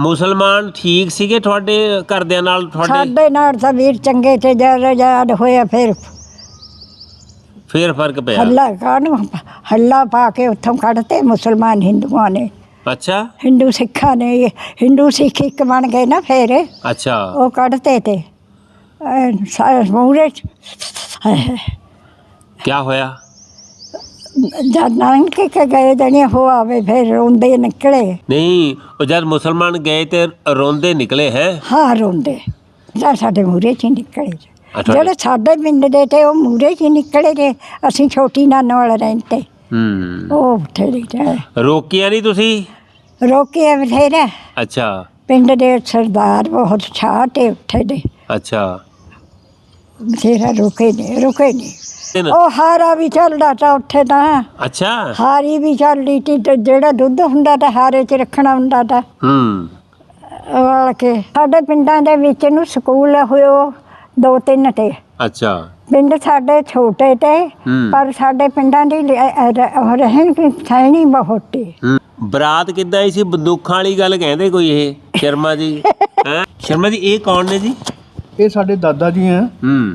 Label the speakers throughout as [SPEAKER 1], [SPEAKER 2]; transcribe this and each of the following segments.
[SPEAKER 1] ਮੁਸਲਮਾਨ ਠੀਕ ਸੀਗੇ ਤੁਹਾਡੇ ਘਰਦਿਆਂ ਨਾਲ? ਤੁਹਾਡੇ
[SPEAKER 2] ਸਾਡੇ ਨਾਲ ਤਾਂ ਵੀਰ ਚੰਗੇ ਤੇ ਜਦ ਹੋਇਆ ਫਿਰ
[SPEAKER 1] ਫਰਕ ਪਿਆ?
[SPEAKER 2] ਹੱਲਾ ਪਾ ਕੇ ਉੱਥੋਂ ਕੱਢਤੇ ਮੁਸਲਮਾਨ ਹਿੰਦੂਆਂ ਨੇ।
[SPEAKER 1] ਅੱਛਾ।
[SPEAKER 2] ਹਿੰਦੂ ਸਿੱਖਾਂ ਨੇ, ਹਿੰਦੂ ਸਿੱਖ ਇੱਕ ਬਣ ਗਏ ਨਾ ਫਿਰ।
[SPEAKER 1] ਅੱਛਾ।
[SPEAKER 2] ਉਹ ਕੱਢਤੇ ਤੇ ਮੂਹਰੇ
[SPEAKER 1] ਕੀ ਹੋਇਆ?
[SPEAKER 2] ਜਦ ਲੰਘ ਕੇ ਗਏ ਜਣੇ ਹੋ ਆਵੇ ਫਿਰ ਰੋਂਦੇ ਨਿਕਲੇ।
[SPEAKER 1] ਨਹੀਂ, ਉਹ ਜਦ ਮੁਸਲਮਾਨ ਗਏ ਤੇ ਰੋਂਦੇ ਨਿਕਲੇ ਹੈ? ਹਾਂ,
[SPEAKER 2] ਰੋਂਦੇ ਜਾਂ ਸਾਡੇ ਮੂਹਰੇ 'ਚ ਹੀ ਨਿਕਲੇ। ਜਿਹੜੇ ਸਾਡੇ ਪਿੰਡ ਦੇ ਤੇ ਉਹ ਮੂਹਰੇ 'ਚ ਹੀ ਨਿਕਲੇ ਜੇ। ਅਸੀਂ ਛੋਟੀ ਨਾਨੋ ਵਾਲੇ ਰਹਿੰਦੇ। ਉਹ ਬਥੇਰੇ
[SPEAKER 1] ਰੋਕਿਆ ਨਹੀਂ ਤੁਸੀਂ?
[SPEAKER 2] ਰੋਕਿਆ ਬਥੇਰਾ।
[SPEAKER 1] ਅੱਛਾ।
[SPEAKER 2] ਪਿੰਡ ਦੇ ਸਰਦਾਰ ਬਹੁਤ ਛਾਹ ਤੇ ਉੱਠੇ ਦੇ।
[SPEAKER 1] ਅੱਛਾ।
[SPEAKER 2] ਬਥੇਰਾ ਰੁਕੇ ਨਹੀਂ। ਉਹ ਹਾਰਾ ਵੀ ਚੱਲਦਾ ਤਾ ਉੱਥੇ ਤਾਂ।
[SPEAKER 1] ਅੱਛਾ।
[SPEAKER 2] ਹਾਰੀ ਵੀ ਚੱਲਦੀ ਤੀ ਤੇ ਜਿਹੜਾ ਦੁੱਧ ਹੁੰਦਾ ਤਾਂ ਹਾਰੇ 'ਚ ਰੱਖਣਾ ਹੁੰਦਾ ਤਾ। ਵਾਲ ਕੇ ਸਾਡੇ ਪਿੰਡਾਂ ਦੇ ਵਿੱਚ ਨੂੰ ਸਕੂਲ ਹੋਇਓ 2-3 ਤੇ।
[SPEAKER 1] ਅੱਛਾ।
[SPEAKER 2] ਪਿੰਡ ਸਾਡੇ ਛੋਟੇ ਤੇ ਪਰ ਸਾਡੇ ਪਿੰਡਾਂ ਦੀ ਰਹਿਣ ਦੀ ਸੈਣੀ ਬਹੁਤ ਤੀ।
[SPEAKER 1] ਬਰਾਤ ਕਿੱਦਾਂ ਆਈ ਸੀ? ਬੰਦੂਕਾਂ ਵਾਲੀ ਗੱਲ ਕਹਿੰਦੇ ਕੋਈ ਇਹ ਸ਼ਰਮਾ ਜੀ? ਸ਼ਰਮਾ ਜੀ ਇਹ ਕੌਣ ਨੇ ਜੀ?
[SPEAKER 3] ਇਹ ਸਾਡੇ ਦਾਦਾ ਜੀ ਆ।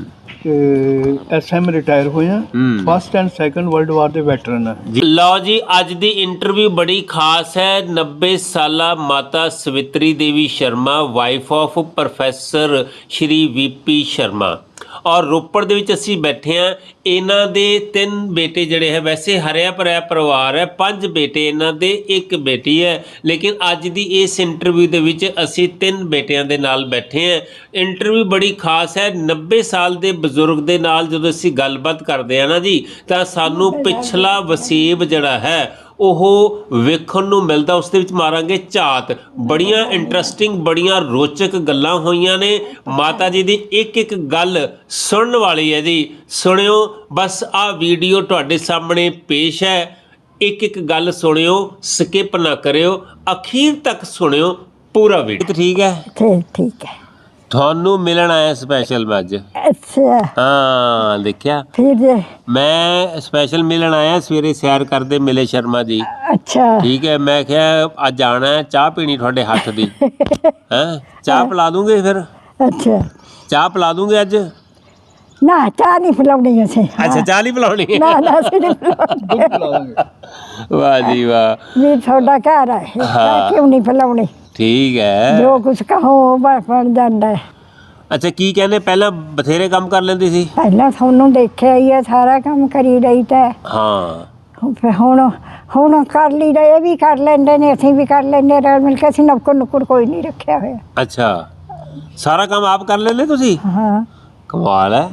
[SPEAKER 3] SM ਰਿਟਾਇਰ ਹੋਏ ਆ। First and second world war ਦੇ ਵੈਟਰਨ ਆ।
[SPEAKER 1] ਲਓ ਜੀ, ਅੱਜ ਦੀ ਇੰਟਰਵਿਊ ਬੜੀ ਖਾਸ ਹੈ। 90 ਸਾਲਾ ਮਾਤਾ Savitri Devi Sharma, wife of professor Shri VP Sharma. ਔਰ ਰੋਪੜ ਦੇ ਵਿੱਚ ਅਸੀਂ ਬੈਠੇ ਹਾਂ। ਇਹਨਾਂ ਦੇ 3 ਬੇਟੇ ਜਿਹੜੇ ਹੈ, ਵੈਸੇ ਹਰਿਆ ਭਰਿਆ ਪਰਿਵਾਰ ਹੈ, 5 ਬੇਟੇ ਇਹਨਾਂ ਦੇ, 1 ਬੇਟੀ ਹੈ। ਲੇਕਿਨ ਅੱਜ ਦੀ ਇਸ ਇੰਟਰਵਿਊ ਦੇ ਵਿੱਚ ਅਸੀਂ 3 ਬੇਟਿਆਂ ਦੇ ਨਾਲ ਬੈਠੇ ਹਾਂ। ਇੰਟਰਵਿਊ ਬੜੀ ਖਾਸ ਹੈ। 90 ਸਾਲ ਦੇ ਬਜ਼ੁਰਗ ਦੇ ਨਾਲ ਜਦੋਂ ਅਸੀਂ ਗੱਲਬਾਤ ਕਰਦੇ ਹਾਂ ਨਾ ਜੀ, ਤਾਂ ਸਾਨੂੰ ਪਿਛਲਾ ਵਸੇਬ ਜਿਹੜਾ ਹੈ ਉਹ ਵੇਖਣ ਨੂੰ ਮਿਲਦਾ। ਉਸ ਦੇ ਵਿੱਚ ਮਾਰਾਂਗੇ ਝਾਤ। ਬੜੀਆਂ ਇੰਟਰਸਟਿੰਗ, ਬੜੀਆਂ ਰੋਚਕ ਗੱਲਾਂ ਹੋਈਆਂ ਨੇ। ਮਾਤਾ ਜੀ ਦੀ ਇੱਕ ਗੱਲ ਸੁਣਨ ਵਾਲੀ ਹੈ ਜੀ। ਸੁਣਿਓ, ਬਸ ਆਹ ਵੀਡੀਓ ਤੁਹਾਡੇ ਸਾਹਮਣੇ ਪੇਸ਼ ਹੈ। ਇੱਕ ਗੱਲ ਸੁਣਿਓ, ਸਕਿਪ ਨਾ ਕਰਿਓ, ਅਖੀਰ ਤੱਕ ਸੁਣਿਓ ਪੂਰਾ ਵੀਡੀਓ। ਠੀਕ ਹੈ?
[SPEAKER 2] ਠੀਕ ਹੈ।
[SPEAKER 1] ਤੁਹਾਨੂੰ ਮਿਲਣ ਆਇਆ ਸਪੈਸ਼ਲ ਮੈਂ ਅੱਜ।
[SPEAKER 2] ਅੱਛਾ।
[SPEAKER 1] ਹਾਂ, ਦੇਖਿਆ ਮੈਂ ਸਪੈਸ਼ਲ ਮਿਲਣ ਆਇਆ। ਸਵੇਰੇ ਸੈਰ ਕਰਦੇ ਮਿਲੇ ਸ਼ਰਮਾ ਜੀ।
[SPEAKER 2] ਅੱਛਾ।
[SPEAKER 1] ਠੀਕ ਹੈ। ਮੈਂ ਕਿਹਾ ਅੱਜ ਆਉਣਾ ਹੈ, ਚਾਹ ਪੀਣੀ ਤੁਹਾਡੇ ਹੱਥ ਦੀ। ਹੈਂ, ਚਾਹ ਪਿਲਾ ਦੂੰਗੇ ਫਿਰ?
[SPEAKER 2] ਅੱਛਾ।
[SPEAKER 1] ਚਾਹ ਪਿਲਾ ਦੂੰਗੇ ਅੱਜ?
[SPEAKER 2] ਨਾ, ਚਾਹ ਨਹੀਂ ਪਿਲਾਉਣੀ ਅਸੀਂ।
[SPEAKER 1] ਅੱਛਾ, ਚਾਹ ਨਹੀਂ ਪਿਲਾਉਣੀ?
[SPEAKER 2] ਨਾ ਅਸੀਂ ਨਹੀਂ ਪਿਲਾਉਣੀ।
[SPEAKER 1] ਵਾਹ ਜੀ ਵਾਹ।
[SPEAKER 2] ਵੀ ਤੁਹਾਡਾ ਘਰ ਹੈ, ਕਿਉਂ ਨਹੀਂ ਪਿਲਾਉਣੀ? ਠੀਕ ਹੈ। ਜੋ ਕੁਛ ਕਹੋ ਬਣ ਜਾਂਦਾ।
[SPEAKER 1] ਅੱਛਾ, ਕੀ ਕਹਿੰਦੇ? ਪਹਿਲਾਂ ਬਥੇਰੇ ਕੰਮ ਕਰ ਲੈਂਦੀ ਸੀ?
[SPEAKER 2] ਪਹਿਲਾਂ ਤੁਹਾਨੂੰ ਦੇਖਿਆ ਹੀ ਹੈ, ਸਾਰਾ ਕੰਮ ਕਰੀ ਰਹੀ ਤਾਂ।
[SPEAKER 1] ਹਾਂ।
[SPEAKER 2] ਫਿਰ ਹੁਣ ਕਰ ਲਈ ਦਾ। ਇਹ ਵੀ ਕਰ ਲੈਂਦੇ ਨੇ, ਅਸੀਂ ਵੀ ਕਰ ਲੈਂਦੇ ਰਲ ਮਿਲ ਕੇ। ਅਸੀਂ ਨੁੱਕਰ ਕੋਈ ਨਹੀਂ ਰੱਖਿਆ ਹੋਇਆ।
[SPEAKER 1] ਅੱਛਾ, ਸਾਰਾ ਕੰਮ ਆਪ ਕਰ ਲੈਂਦੇ ਤੁਸੀਂ?
[SPEAKER 2] ਹਾਂ।
[SPEAKER 1] ਕਮਾਲ ਹੈ।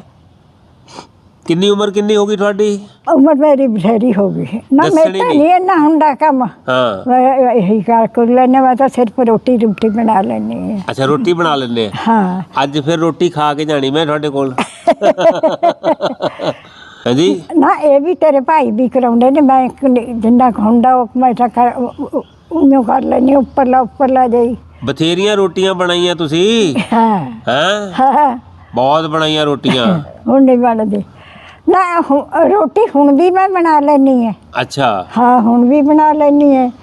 [SPEAKER 1] ਕਿੰਨੀ ਉਮਰ ਕਿੰਨੀ ਹੋ ਗਈ ਤੁਹਾਡੀ?
[SPEAKER 2] ਉਮਰ ਮੇਰੀ ਬਥੇਰੀ ਹੋ ਗਈ ਨਾ। ਮੈਂ ਤਾਂ ਨਹੀਂ ਇੰਨਾ ਹੁੰਦਾ ਕੰਮ।
[SPEAKER 1] ਹਾਂ।
[SPEAKER 2] ਇਹੀ ਕਰ ਲੈਂਦੇ। ਮੈਂ ਤਾਂ ਸਿਰਫ ਰੋਟੀ ਬਣਾ ਲੈਂਦੀ ਹਾਂ।
[SPEAKER 1] ਅੱਛਾ, ਰੋਟੀ ਬਣਾ ਲੈਂਦੇ?
[SPEAKER 2] ਹਾਂ।
[SPEAKER 1] ਅੱਜ ਫਿਰ ਰੋਟੀ ਖਾ ਕੇ ਜਾਣੀ ਮੈਂ ਤੁਹਾਡੇ ਕੋਲ। ਹਾਂਜੀ।
[SPEAKER 2] ਨਾ, ਇਹ ਵੀ ਤੇਰੇ ਭਾਈ ਵੀ ਕਰਾਉਂਦੇ ਨੇ। ਮੈਂ ਜਿੰਨਾ ਹੁੰਦਾ ਉਹ ਮੈਂ ਤਾਂ ਉਹਨੂੰ ਕਰ ਲੈਂਦੀ। ਉੱਪਰਲਾ ਜਾਈ
[SPEAKER 1] ਬਥੇਰੀਆਂ ਰੋਟੀਆਂ ਬਣਾਈਆਂ ਤੁਸੀਂ?
[SPEAKER 2] ਹਾਂ।
[SPEAKER 1] ਬਹੁਤ ਬਣਾਈਆਂ ਰੋਟੀਆਂ।
[SPEAKER 2] ਹੁਣ ਨਹੀਂ ਬਣਦੀ ਨਾ। ਰੋਟੀ ਹੁਣ ਵੀ ਮੈਂ ਬਣਾ ਲੈਂਦੀ ਹਾਂ।
[SPEAKER 1] ਅੱਛਾ।
[SPEAKER 2] ਹਾਂ, ਹੁਣ ਵੀ ਬਣਾ ਲੈਂਦੀ ਹਾਂ।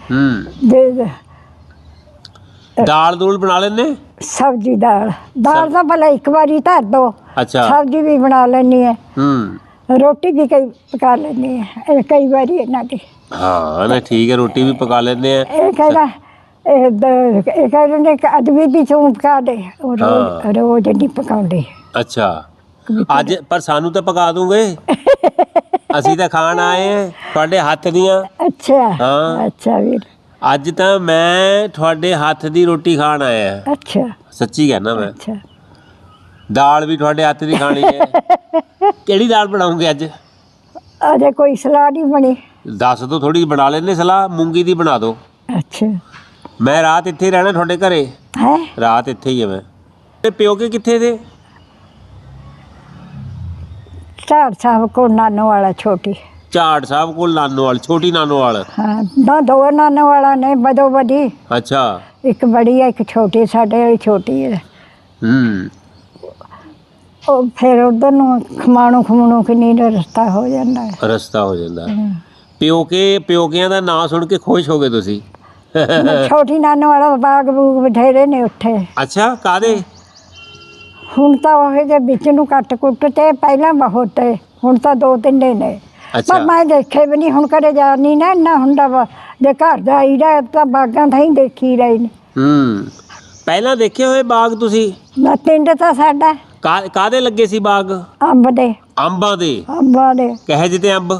[SPEAKER 1] ਦਾਲ ਦੂਲ ਬਣਾ ਲੈਂਦੇ?
[SPEAKER 2] ਸਬਜ਼ੀ ਦਾਲ ਤਾਂ ਭਲਾ ਇੱਕ ਵਾਰੀ ਧਰ ਦੋ।
[SPEAKER 1] ਅੱਛਾ।
[SPEAKER 2] ਸਬਜ਼ੀ ਵੀ ਬਣਾ ਲੈਂਦੀ ਹਾਂ। ਰੋਟੀ ਵੀ ਪਕਾ ਲੈਂਦੀ ਹਾਂ ਕਈ ਵਾਰੀ ਇਹਨਾਂ ਦੀ।
[SPEAKER 1] ਹਾਂ ਨਾ, ਠੀਕ ਹੈ। ਰੋਟੀ ਵੀ ਪਕਾ ਲੈਂਦੇ ਆ।
[SPEAKER 2] ਇਹ ਕਹਿੰਦਾ ਇਹ ਕਹਿੰਦੇ ਕਿ ਅਦਬੀ ਵੀ ਤੂੰ ਪਕਾ ਦੇ। ਰੋਜ਼ ਨਹੀਂ ਪਕਾਉਂਦੇ।
[SPEAKER 1] ਅੱਛਾ। ਅੱਜ ਪਰ ਸਾਨੂੰ ਤਾਂ ਪਕਾ ਦੂੰਗੇ। ਅਸੀਂ ਤਾਂ ਖਾਣ ਆਏ ਆ ਤੁਹਾਡੇ ਹੱਥ ਦੀਆਂ।
[SPEAKER 2] ਅੱਛਾ।
[SPEAKER 1] ਹਾਂ।
[SPEAKER 2] ਅੱਛਾ ਵੀਰ,
[SPEAKER 1] ਅੱਜ ਤਾਂ ਮੈਂ ਤੁਹਾਡੇ ਹੱਥ ਦੀ ਰੋਟੀ ਖਾਣ ਆਇਆ।
[SPEAKER 2] ਅੱਛਾ।
[SPEAKER 1] ਸੱਚੀ ਕਹਿਣਾ ਮੈਂ।
[SPEAKER 2] ਅੱਛਾ।
[SPEAKER 1] ਦਾਲ ਵੀ ਤੁਹਾਡੇ ਹੱਥ ਦੀ ਖਾਣੀ ਹੈ। ਕਿਹੜੀ ਦਾਲ ਬਣਾਉਂਗੇ ਅੱਜ?
[SPEAKER 2] ਅਜੇ ਕੋਈ ਸਲਾਹ ਨਹੀਂ ਬਣੀ।
[SPEAKER 1] ਦੱਸ ਦਿਓ, ਥੋੜੀ ਬਣਾ ਲੈਂਦੇ ਸਲਾਹ। ਮੂੰਗੀ ਦੀ ਬਣਾ ਦਿਓ।
[SPEAKER 2] ਅੱਛਾ।
[SPEAKER 1] ਮੈਂ ਰਾਤ ਇੱਥੇ ਹੀ ਰਹਿਣਾ ਤੁਹਾਡੇ ਘਰੇ।
[SPEAKER 2] ਹੈ?
[SPEAKER 1] ਰਾਤ ਇੱਥੇ ਹੀ ਹੈ ਮੈਂ। ਤੇ ਪਿਓਕੇ ਕਿੱਥੇ ਦੇ?
[SPEAKER 2] ਝਾੜ ਸਾਹਿਬ ਕੋਲ ਨਾਨੋ ਵਾਲਾ ਛੋਟੀ।
[SPEAKER 1] ਝਾੜ ਸਾਹਿਬ ਕੋਲ ਨਾਨੋਵਾਲ, ਛੋਟੀ ਨਾਨੋਵਾਲ।
[SPEAKER 2] ਹਾਂ, ਦੋ ਨਾਨੋ ਵਾਲਾ ਨੇ ਬਦੋ ਬਦੀ।
[SPEAKER 1] ਅੱਛਾ।
[SPEAKER 2] ਇੱਕ ਬੜੀ ਹੈ, ਇੱਕ ਛੋਟੀ। ਸਾਡੇ ਵਾਲੀ ਛੋਟੀ ਹੈ। ਉਹ ਫਿਰ ਉਧਰ ਨੂੰ ਖਮਾਣੋ ਕਿੰਨੀ ਦਾ ਰਸਤਾ ਹੋ ਜਾਂਦਾ।
[SPEAKER 1] ਪਿਓਕਿਆਂ ਦਾ ਨਾਂ ਸੁਣ ਕੇ ਖੁਸ਼ ਹੋ ਗਏ ਤੁਸੀਂ?
[SPEAKER 2] ਛੋਟੀ ਨਾਨੋ ਵਾਲਾ ਬਾਗ ਬੂਗ ਬਥੇਰੇ ਨੇ ਉੱਥੇ।
[SPEAKER 1] ਅੱਛਾ, ਕਾਦੇ?
[SPEAKER 2] ਹੁਣ ਤਾਂ ਉਹ ਦੇ ਵਿੱਚ ਨੂੰ ਕੱਟ ਕੁੱਟ ਤੇ ਪਹਿਲਾਂ ਬਹੁਤ ਤੇ ਹੁਣ ਤਾਂ 2-3 ਨੇ।
[SPEAKER 1] ਅੱਛਾ।
[SPEAKER 2] ਪਰ ਮੈਂ ਦੇਖੇ ਵੀ ਨਹੀਂ, ਹੁਣ ਕਦੇ ਜਾ ਨਹੀਂ ਨਾ ਇੰਨਾ ਹੁੰਦਾ ਵਾ, ਜੇ ਘਰ ਦਾ ਆਈਦਾ ਤਾਂ ਬਾਗਾਂ ਤਾਂ ਹੀ ਦੇਖੀ ਰਹੇ ਨੇ।
[SPEAKER 1] ਪਹਿਲਾਂ ਦੇਖੇ ਹੋਏ ਬਾਗ ਤੁਸੀਂ?
[SPEAKER 2] ਨਾ ਪਿੰਡ ਤਾਂ ਸਾਡਾ
[SPEAKER 1] ਕਾਦੇ ਲੱਗੇ ਸੀ ਬਾਗ?
[SPEAKER 2] ਅੰਬ ਦੇ।
[SPEAKER 1] ਅੰਬਾਂ ਦੇ?
[SPEAKER 2] ਅੰਬਾਂ ਦੇ।
[SPEAKER 1] ਕਹੇ ਜਿਹੇ ਅੰਬ?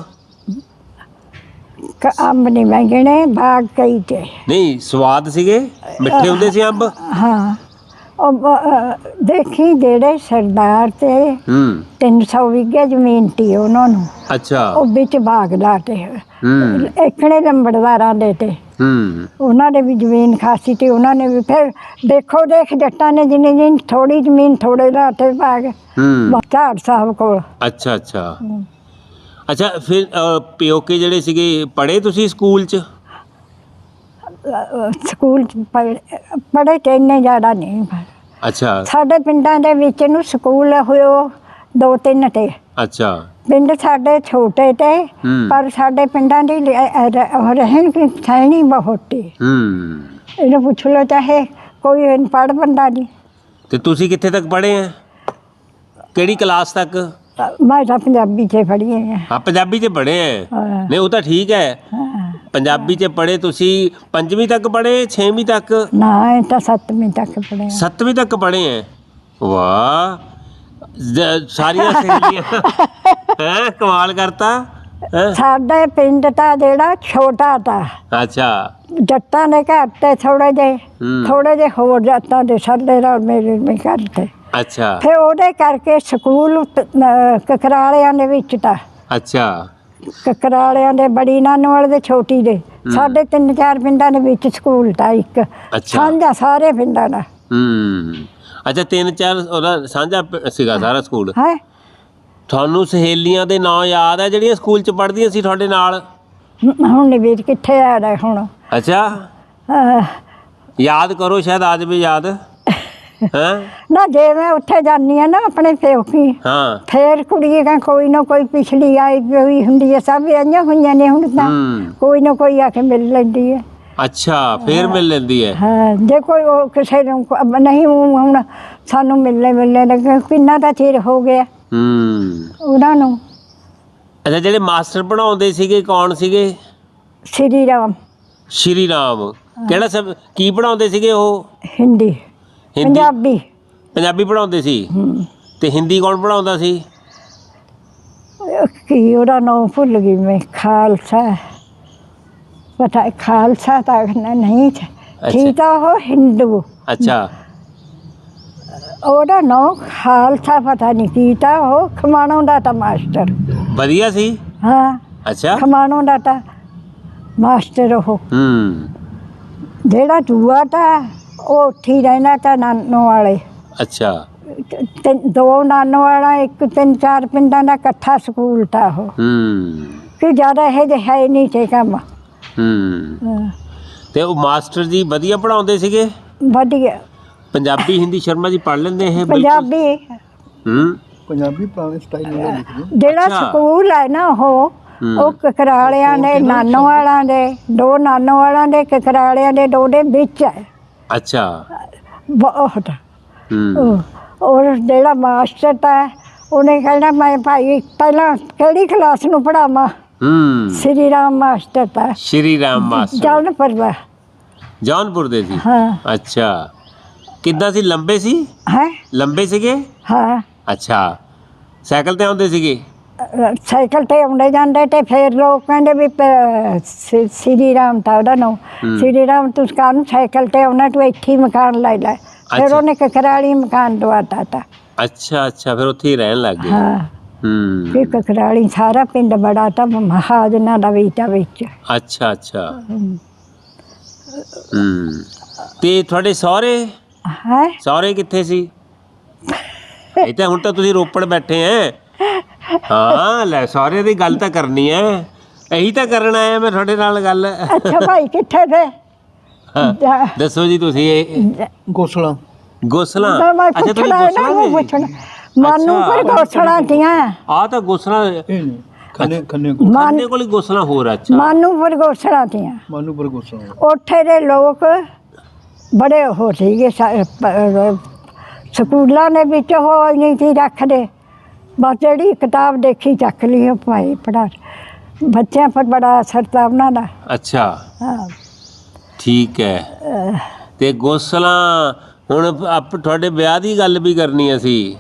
[SPEAKER 2] ਅੰਬ ਨਹੀਂ ਮੈਂ ਗਿਣੇ, ਬਾਗ ਕਈ ਤੇ।
[SPEAKER 1] ਨਹੀਂ, ਸਵਾਦ ਸੀਗੇ, ਮਿੱਠੇ ਹੁੰਦੇ ਸੀ ਅੰਬ?
[SPEAKER 2] ਹਾਂ, ਉਹ ਦੇਖੀ ਜਿਹੜੇ ਸਰਦਾਰ ਤੇ 300 ਵਿਗੇ ਜ਼ਮੀਨ ਤੀ ਉਹਨਾਂ ਨੂੰ।
[SPEAKER 1] ਅੱਛਾ।
[SPEAKER 2] ਉਹ ਵਿੱਚ ਬਾਗ ਲਾਤੇ ਇਕਣੇ ਲੰਬੜਦਾਰਾਂ ਦੇ ਤੇ ਉਹਨਾਂ ਨੇ ਵੀ ਜ਼ਮੀਨ ਖਾਸੀ ਤੇ ਉਹਨਾਂ ਨੇ ਵੀ ਫਿਰ ਦੇਖੋ ਦੇਖ ਜੱਟਾਂ ਨੇ ਜਿੰਨੀ ਥੋੜੀ ਜ਼ਮੀਨ ਥੋੜੇ ਲਾਤੇ ਬਾਗ ਝਾੜ ਸਾਹਿਬ ਕੋਲ।
[SPEAKER 1] ਅੱਛਾ ਅੱਛਾ ਅੱਛਾ। ਫਿਰ ਪਿਓਕੇ ਜਿਹੜੇ ਸੀਗੇ, ਪੜ੍ਹੇ ਤੁਸੀਂ ਸਕੂਲ 'ਚ?
[SPEAKER 2] ਸਕੂਲ 'ਚ ਪੜ੍ਹੇ ਤੇ ਇੰਨੇ ਜ਼ਿਆਦਾ ਨਹੀਂ।
[SPEAKER 1] ਅੱਛਾ।
[SPEAKER 2] ਸਾਡੇ ਪਿੰਡਾਂ ਦੇ ਵਿੱਚ ਨੂੰ ਸਕੂਲ ਹੋਇਓ 2-3 ਤੇ।
[SPEAKER 1] ਅੱਛਾ।
[SPEAKER 2] ਪਿੰਡ ਸਾਡੇ ਛੋਟੇ ਤੇ ਪਰ ਸਾਡੇ ਪਿੰਡਾਂ ਦੀ ਰਹਿਣ ਸਹਿਣੀ ਬਹੁਤ ਏ। ਇਹਨੂੰ ਪੁੱਛ ਲਓ ਚਾਹੇ ਕੋਈ ਅਨਪੜ੍ਹ ਬੰਦਾ ਨਹੀਂ।
[SPEAKER 1] ਤੇ ਤੁਸੀਂ ਕਿੱਥੇ ਤੱਕ ਪੜ੍ਹੇ ਆ? ਕਿਹੜੀ ਕਲਾਸ ਤੱਕ?
[SPEAKER 2] ਮੈਂ ਤਾਂ ਪੰਜਾਬੀ 'ਚ ਪੜ੍ਹੀ ਹਾਂ।
[SPEAKER 1] ਹਾਂ, ਪੰਜਾਬੀ 'ਚ ਪੜ੍ਹੇ ਆ। ਨਹੀਂ, ਉਹ ਤਾਂ ਠੀਕ ਹੈ, ਪੰਜਾਬੀ 'ਚ ਪੜ੍ਹੇ ਤੁਸੀਂ। 5ਵੀਂ ਤੱਕ ਪੜ੍ਹੇ, 6ਵੀਂ ਤੱਕ?
[SPEAKER 2] ਨਾ, ਇਹ ਤਾਂ 7ਵੀਂ ਤੱਕ ਪੜ੍ਹੇ।
[SPEAKER 1] 7ਵੀਂ ਤੱਕ ਪੜ੍ਹੇ ਆ? ਵਾਹ, ਸਾਰੀਆਂ ਸਹੇਲੀਆਂ ਹੈ, ਕਮਾਲ ਕਰਤਾ।
[SPEAKER 2] ਸਾਡੇ ਪਿੰਡ ਤਾਂ ਜਿਹੜਾ ਛੋਟਾ ਤਾ।
[SPEAKER 1] ਅੱਛਾ।
[SPEAKER 2] ਜੱਟਾਂ ਦੇ ਘਰ ਤੇ ਥੋੜੇ ਜਿਹੇ ਹੋਰ ਜਾਤਾਂ ਦੇ ਸਾਡੇ ਨਾਲ ਮੇਰੇ ਘਰ ਤੇ।
[SPEAKER 1] ਅੱਛਾ।
[SPEAKER 2] ਫਿਰ ਉਹਦੇ ਕਰਕੇ ਸਕੂਲ ਕਕਰਾਲਿਆਂ ਦੇ ਵਿੱਚ ਤਾਂ।
[SPEAKER 1] ਅੱਛਾ।
[SPEAKER 2] ਕਕਰਾਲਿਆਂ ਦੇ ਬੜੀ ਨਾਨੋਵਾਲ ਦੇ ਛੋਟੀ ਦੇ ਸਾਡੇ 3-4 ਪਿੰਡਾਂ ਦੇ ਵਿੱਚ ਸਕੂਲ ਤਾਂ ਇੱਕ ਸਾਂਝਾ ਸਾਰੇ ਪਿੰਡਾਂ ਦਾ।
[SPEAKER 1] ਅੱਛਾ, 3-4 ਉਹਦਾ ਸਾਂਝਾ ਸੀਗਾ ਸਾਰਾ ਸਕੂਲ?
[SPEAKER 2] ਹੈ।
[SPEAKER 1] ਤੁਹਾਨੂੰ ਸਹੇਲੀਆਂ ਦੇ ਨਾਂ ਯਾਦ ਹੈ ਜਿਹੜੀਆਂ ਸਕੂਲ 'ਚ ਪੜ੍ਹਦੀਆਂ ਸੀ ਤੁਹਾਡੇ ਨਾਲ?
[SPEAKER 2] ਹੁਣ ਨਹੀਂ ਵੀਰ, ਕਿੱਥੇ ਆ ਰਿਹਾ ਹੁਣ।
[SPEAKER 1] ਅੱਛਾ, ਯਾਦ ਕਰੋ, ਸ਼ਾਇਦ ਆ ਜਾਵੇ ਯਾਦ।
[SPEAKER 2] ਨਾ ਜੇ ਮੈਂ ਉੱਥੇ ਜਾਂਦੀ ਆ ਨਾ ਆਪਣੇ ਪੇਕੀ,
[SPEAKER 1] ਹਾਂ,
[SPEAKER 2] ਫੇਰ ਕੁੜੀਆਂ ਕੋਈ ਨਾ ਕੋਈ ਪਿਛਲੀ ਆਈ ਹੋਈ ਹੁੰਦੀ ਹੈ, ਸਭ ਆਈਆਂ ਹੋਈਆਂ ਨੇ ਹੁਣ ਤਾਂ ਕੋਈ ਨਾ ਕੋਈ ਆ ਕੇ ਮਿਲ ਲੈਂਦੀ ਹੈ।
[SPEAKER 1] ਅੱਛਾ, ਫੇਰ ਮਿਲ ਲੈਂਦੀ ਹੈ।
[SPEAKER 2] ਹਾਂ, ਜੇ ਕੋਈ ਉਹ ਕਿਸੇ ਨੂੰ ਨਹੀਂ ਹੁਣ ਸਾਨੂੰ ਮਿਲਣੇ ਲੱਗੇ, ਕਿੰਨਾ ਤਾਂ ਚਿਰ ਹੋ ਗਿਆ ਉਹਨਾਂ ਨੂੰ।
[SPEAKER 1] ਅੱਛਾ, ਜਿਹੜੇ ਮਾਸਟਰ ਪੜ੍ਹਾਉਂਦੇ ਸੀਗੇ ਕੌਣ ਸੀਗੇ?
[SPEAKER 2] ਸ਼੍ਰੀ ਰਾਮ।
[SPEAKER 1] ਸ਼੍ਰੀ ਰਾਮ ਕਿਹੜਾ ਸਭ ਕੀ ਪੜ੍ਹਾਉਂਦੇ ਸੀਗੇ ਉਹ?
[SPEAKER 2] ਹਿੰਦੀ ਪੰਜਾਬੀ।
[SPEAKER 1] ਪੰਜਾਬੀ ਪੜ੍ਹਾਉਂਦੇ ਸੀ। ਤੇ ਹਿੰਦੀ ਕੌਣ ਪੜ੍ਹਾਉਂਦਾ ਸੀ?
[SPEAKER 2] ਕੀ ਉਹਦਾ ਨਾਮ ਭੁੱਲ ਗਈ ਮੈਂ। ਖਾਲਸਾ ਪਤਾ, ਖਾਲਸਾ ਤਾਂ ਨਹੀਂ ਠੀਕ ਆ, ਉਹ ਹਿੰਦੂ।
[SPEAKER 1] ਅੱਛਾ।
[SPEAKER 2] ਉਹਦਾ ਨਾਮ ਖਾਲਸਾ ਪਤਾ ਨਹੀਂ ਕੀ ਤਾਂ, ਉਹ ਖਮਾਣੋਂ ਦਾ ਤਾਂ ਮਾਸਟਰ
[SPEAKER 1] ਵਧੀਆ ਸੀ।
[SPEAKER 2] ਹਾਂ।
[SPEAKER 1] ਅੱਛਾ,
[SPEAKER 2] ਖਮਾਣੋਂ ਦਾ ਤਾਂ ਮਾਸਟਰ ਉਹ। ਜਿਹੜਾ ਦੂਆ ਤਾਂ ਉਹ ਉੱਥੇ ਹੀ ਰਹਿਣਾ ਤਾਂ ਨਾਨੋ ਵਾਲੇ।
[SPEAKER 1] ਅੱਛਾ।
[SPEAKER 2] 2 ਨਾਨੋ ਵਾਲਾ, 1-3-4 ਪਿੰਡਾਂ ਦਾ ਇਕੱਠਾ ਸਕੂਲ ਤਾਂ ਉਹ। ਕਿ ਜ਼ਿਆਦਾ ਇਹ ਜਿਹਾ ਹੈ ਨਹੀਂ ਤੇ ਕੰਮ।
[SPEAKER 1] ਤੇ ਉਹ ਮਾਸਟਰ ਜੀ ਵਧੀਆ ਪੜ੍ਹਾਉਂਦੇ ਸੀਗੇ?
[SPEAKER 2] ਵਧੀਆ।
[SPEAKER 1] ਪੰਜਾਬੀ ਹਿੰਦੀ ਸ਼ਰਮਾ ਜੀ ਪੜ੍ਹ ਲੈਂਦੇ ਇਹ?
[SPEAKER 2] ਪੰਜਾਬੀ।
[SPEAKER 3] ਪੰਜਾਬੀ ਪੁਰਾਣੇ ਸਟਾਈਲ ਨਾਲ ਲਿਖਦੇ।
[SPEAKER 2] ਜਿਹੜਾ ਸਕੂਲ ਹੈ ਨਾ ਉਹ ਕਕਰਾਲਿਆਂ ਦੇ ਨਾਨੋ ਵਾਲਾਂ ਦੇ 2 ਨਾਨੋ ਵਾਲਾਂ ਦੇ ਕਕਰਾਲਿਆਂ ਦੇ 2 ਦੇ ਵਿੱਚ ਹੈ।
[SPEAKER 1] ਅੱਛਾ।
[SPEAKER 2] ਬਹੁਤ। ਔਰ ਜਿਹੜਾ ਮਾਸਟਰ ਤਾਂ ਉਹਨੇ ਕਹਿਣਾ ਮੈਂ ਭਾਈ ਪਹਿਲਾਂ ਕਿਹੜੀ ਕਲਾਸ ਨੂੰ ਪੜ੍ਹਾਵਾਂ। ਸ਼੍ਰੀ ਰਾਮ ਮਾਸਟਰ ਤਾਂ।
[SPEAKER 1] ਸ਼੍ਰੀ ਰਾਮ ਮਾਸਟਰ
[SPEAKER 2] ਜੌਨਪੁਰ ਦਾ।
[SPEAKER 1] ਜੌਨਪੁਰ ਦੇ ਸੀ?
[SPEAKER 2] ਹਾਂ।
[SPEAKER 1] ਅੱਛਾ, ਕਿੱਦਾਂ ਸੀ? ਲੰਬੇ ਸੀ?
[SPEAKER 2] ਹੈ।
[SPEAKER 1] ਲੰਬੇ ਸੀਗੇ?
[SPEAKER 2] ਹਾਂ।
[SPEAKER 1] ਅੱਛਾ, ਸਾਈਕਲ ਤੇ ਆਉਂਦੇ ਸੀਗੇ?
[SPEAKER 2] ਸਾਈਕਲ ਤੇ ਆਉਂਦੇ ਜਾਂਦੇ ਤੇ ਫਿਰ ਲੋਕ ਕਹਿੰਦੇ ਵੀ ਸ਼੍ਰੀ ਰਾਮ ਤਾਂ ਉਹਦਾ ਨਾਮ। ਸ਼੍ਰੀ ਰਾਮ ਤੂੰ ਕਾਹਨੂੰ ਸਾਈਕਲ ਤੇ ਆਉਣਾ, ਤੂੰ ਇੱਥੇ ਹੀ ਮਕਾਨ ਲੈ ਲੈ। ਫਿਰ ਉਹਨੇ ਕਕਰਾਲੀ ਮਕਾਨ ਦਵਾਤਾ ਤਾ।
[SPEAKER 1] ਅੱਛਾ ਅੱਛਾ, ਫਿਰ ਉੱਥੇ ਹੀ ਰਹਿਣ ਲੱਗ ਗਏ।
[SPEAKER 2] ਹਾਂ। ਕਿ ਕਕਰਾਲੀ ਸਾਰਾ ਪਿੰਡ ਬੜਾ ਤਾਂ ਮਹਾਜਨਾਂ ਦਾ ਵੀ ਤਾਂ ਵਿੱਚ।
[SPEAKER 1] ਅੱਛਾ ਅੱਛਾ। ਤੇ ਤੁਹਾਡੇ ਸਹੁਰੇ?
[SPEAKER 2] ਹੈ।
[SPEAKER 1] ਸਹੁਰੇ ਕਿੱਥੇ ਸੀ? ਇਹ ਤਾਂ ਹੁਣ ਤਾਂ ਤੁਸੀਂ ਰੋਪੜ ਬੈਠੇ ਐ। ਹਾਂ, ਲੈ ਸਹੁਰੇ ਦੀ ਗੱਲ ਤਾਂ ਕਰਨੀ ਐ, ਇਹੀ ਤਾਂ ਕਰਨ ਆਇਆ ਮੈਂ ਤੁਹਾਡੇ ਨਾਲ ਗੱਲ।
[SPEAKER 2] ਅੱਛਾ ਭਾਈ, ਕਿੱਥੇ ਥੇ?
[SPEAKER 1] ਦੱਸੋ ਜੀ ਤੁਸੀਂ।
[SPEAKER 3] ਗੋਸਲਾ।
[SPEAKER 1] ਗੋਸਲਾ?
[SPEAKER 2] ਅੱਛਾ, ਤੁਸੀਂ ਗੋਸਲਾ ਦੇ? ਮਾਨੂੰ ਪਰ ਗੋਸਲਾ ਦੀਆਂ।
[SPEAKER 1] ਆ ਤਾਂ ਗੋਸਲਾ
[SPEAKER 3] ਖੰਨੇ ਖੰਨੇ ਕੋ
[SPEAKER 2] ਮਾਨ
[SPEAKER 1] ਖੰਨੇ ਕੋਲ ਹੀ ਗੋਸਲਾ ਹੋਰ ਆ, ਅੱਛਾ
[SPEAKER 2] ਮਾਨੂਪੁਰ ਗੋਸਲਾਂ ਤੀਆਂ
[SPEAKER 3] ਮਾਨੂਪੁਰ ਗੋਸਾ
[SPEAKER 2] ਉੱਥੇ ਦੇ ਲੋਕ ਬੜੇ ਉਹ ਸੀਗੇ ਸਕੂਲਾਂ ਦੇ ਵਿੱਚ ਉਹ ਨਹੀਂ ਸੀ ਰੱਖਦੇ, ਬਸ ਜਿਹੜੀ ਕਿਤਾਬ ਦੇਖੀ ਚੱਕ ਲਈ ਉਹ ਭਾਈ ਪੜ੍ਹਾ। ਬੱਚਿਆਂ ਪਰ ਬੜਾ ਅਸਰ ਤਾ ਉਹਨਾਂ ਦਾ।
[SPEAKER 1] ਅੱਛਾ
[SPEAKER 2] ਹਾਂ
[SPEAKER 1] ਠੀਕ ਹੈ। ਤੇ ਗੋਸਲਾ ਹੁਣ ਆਪ ਤੁਹਾਡੇ ਵਿਆਹ ਦੀ ਗੱਲ ਵੀ ਕਰਨੀ ਅਸੀਂ।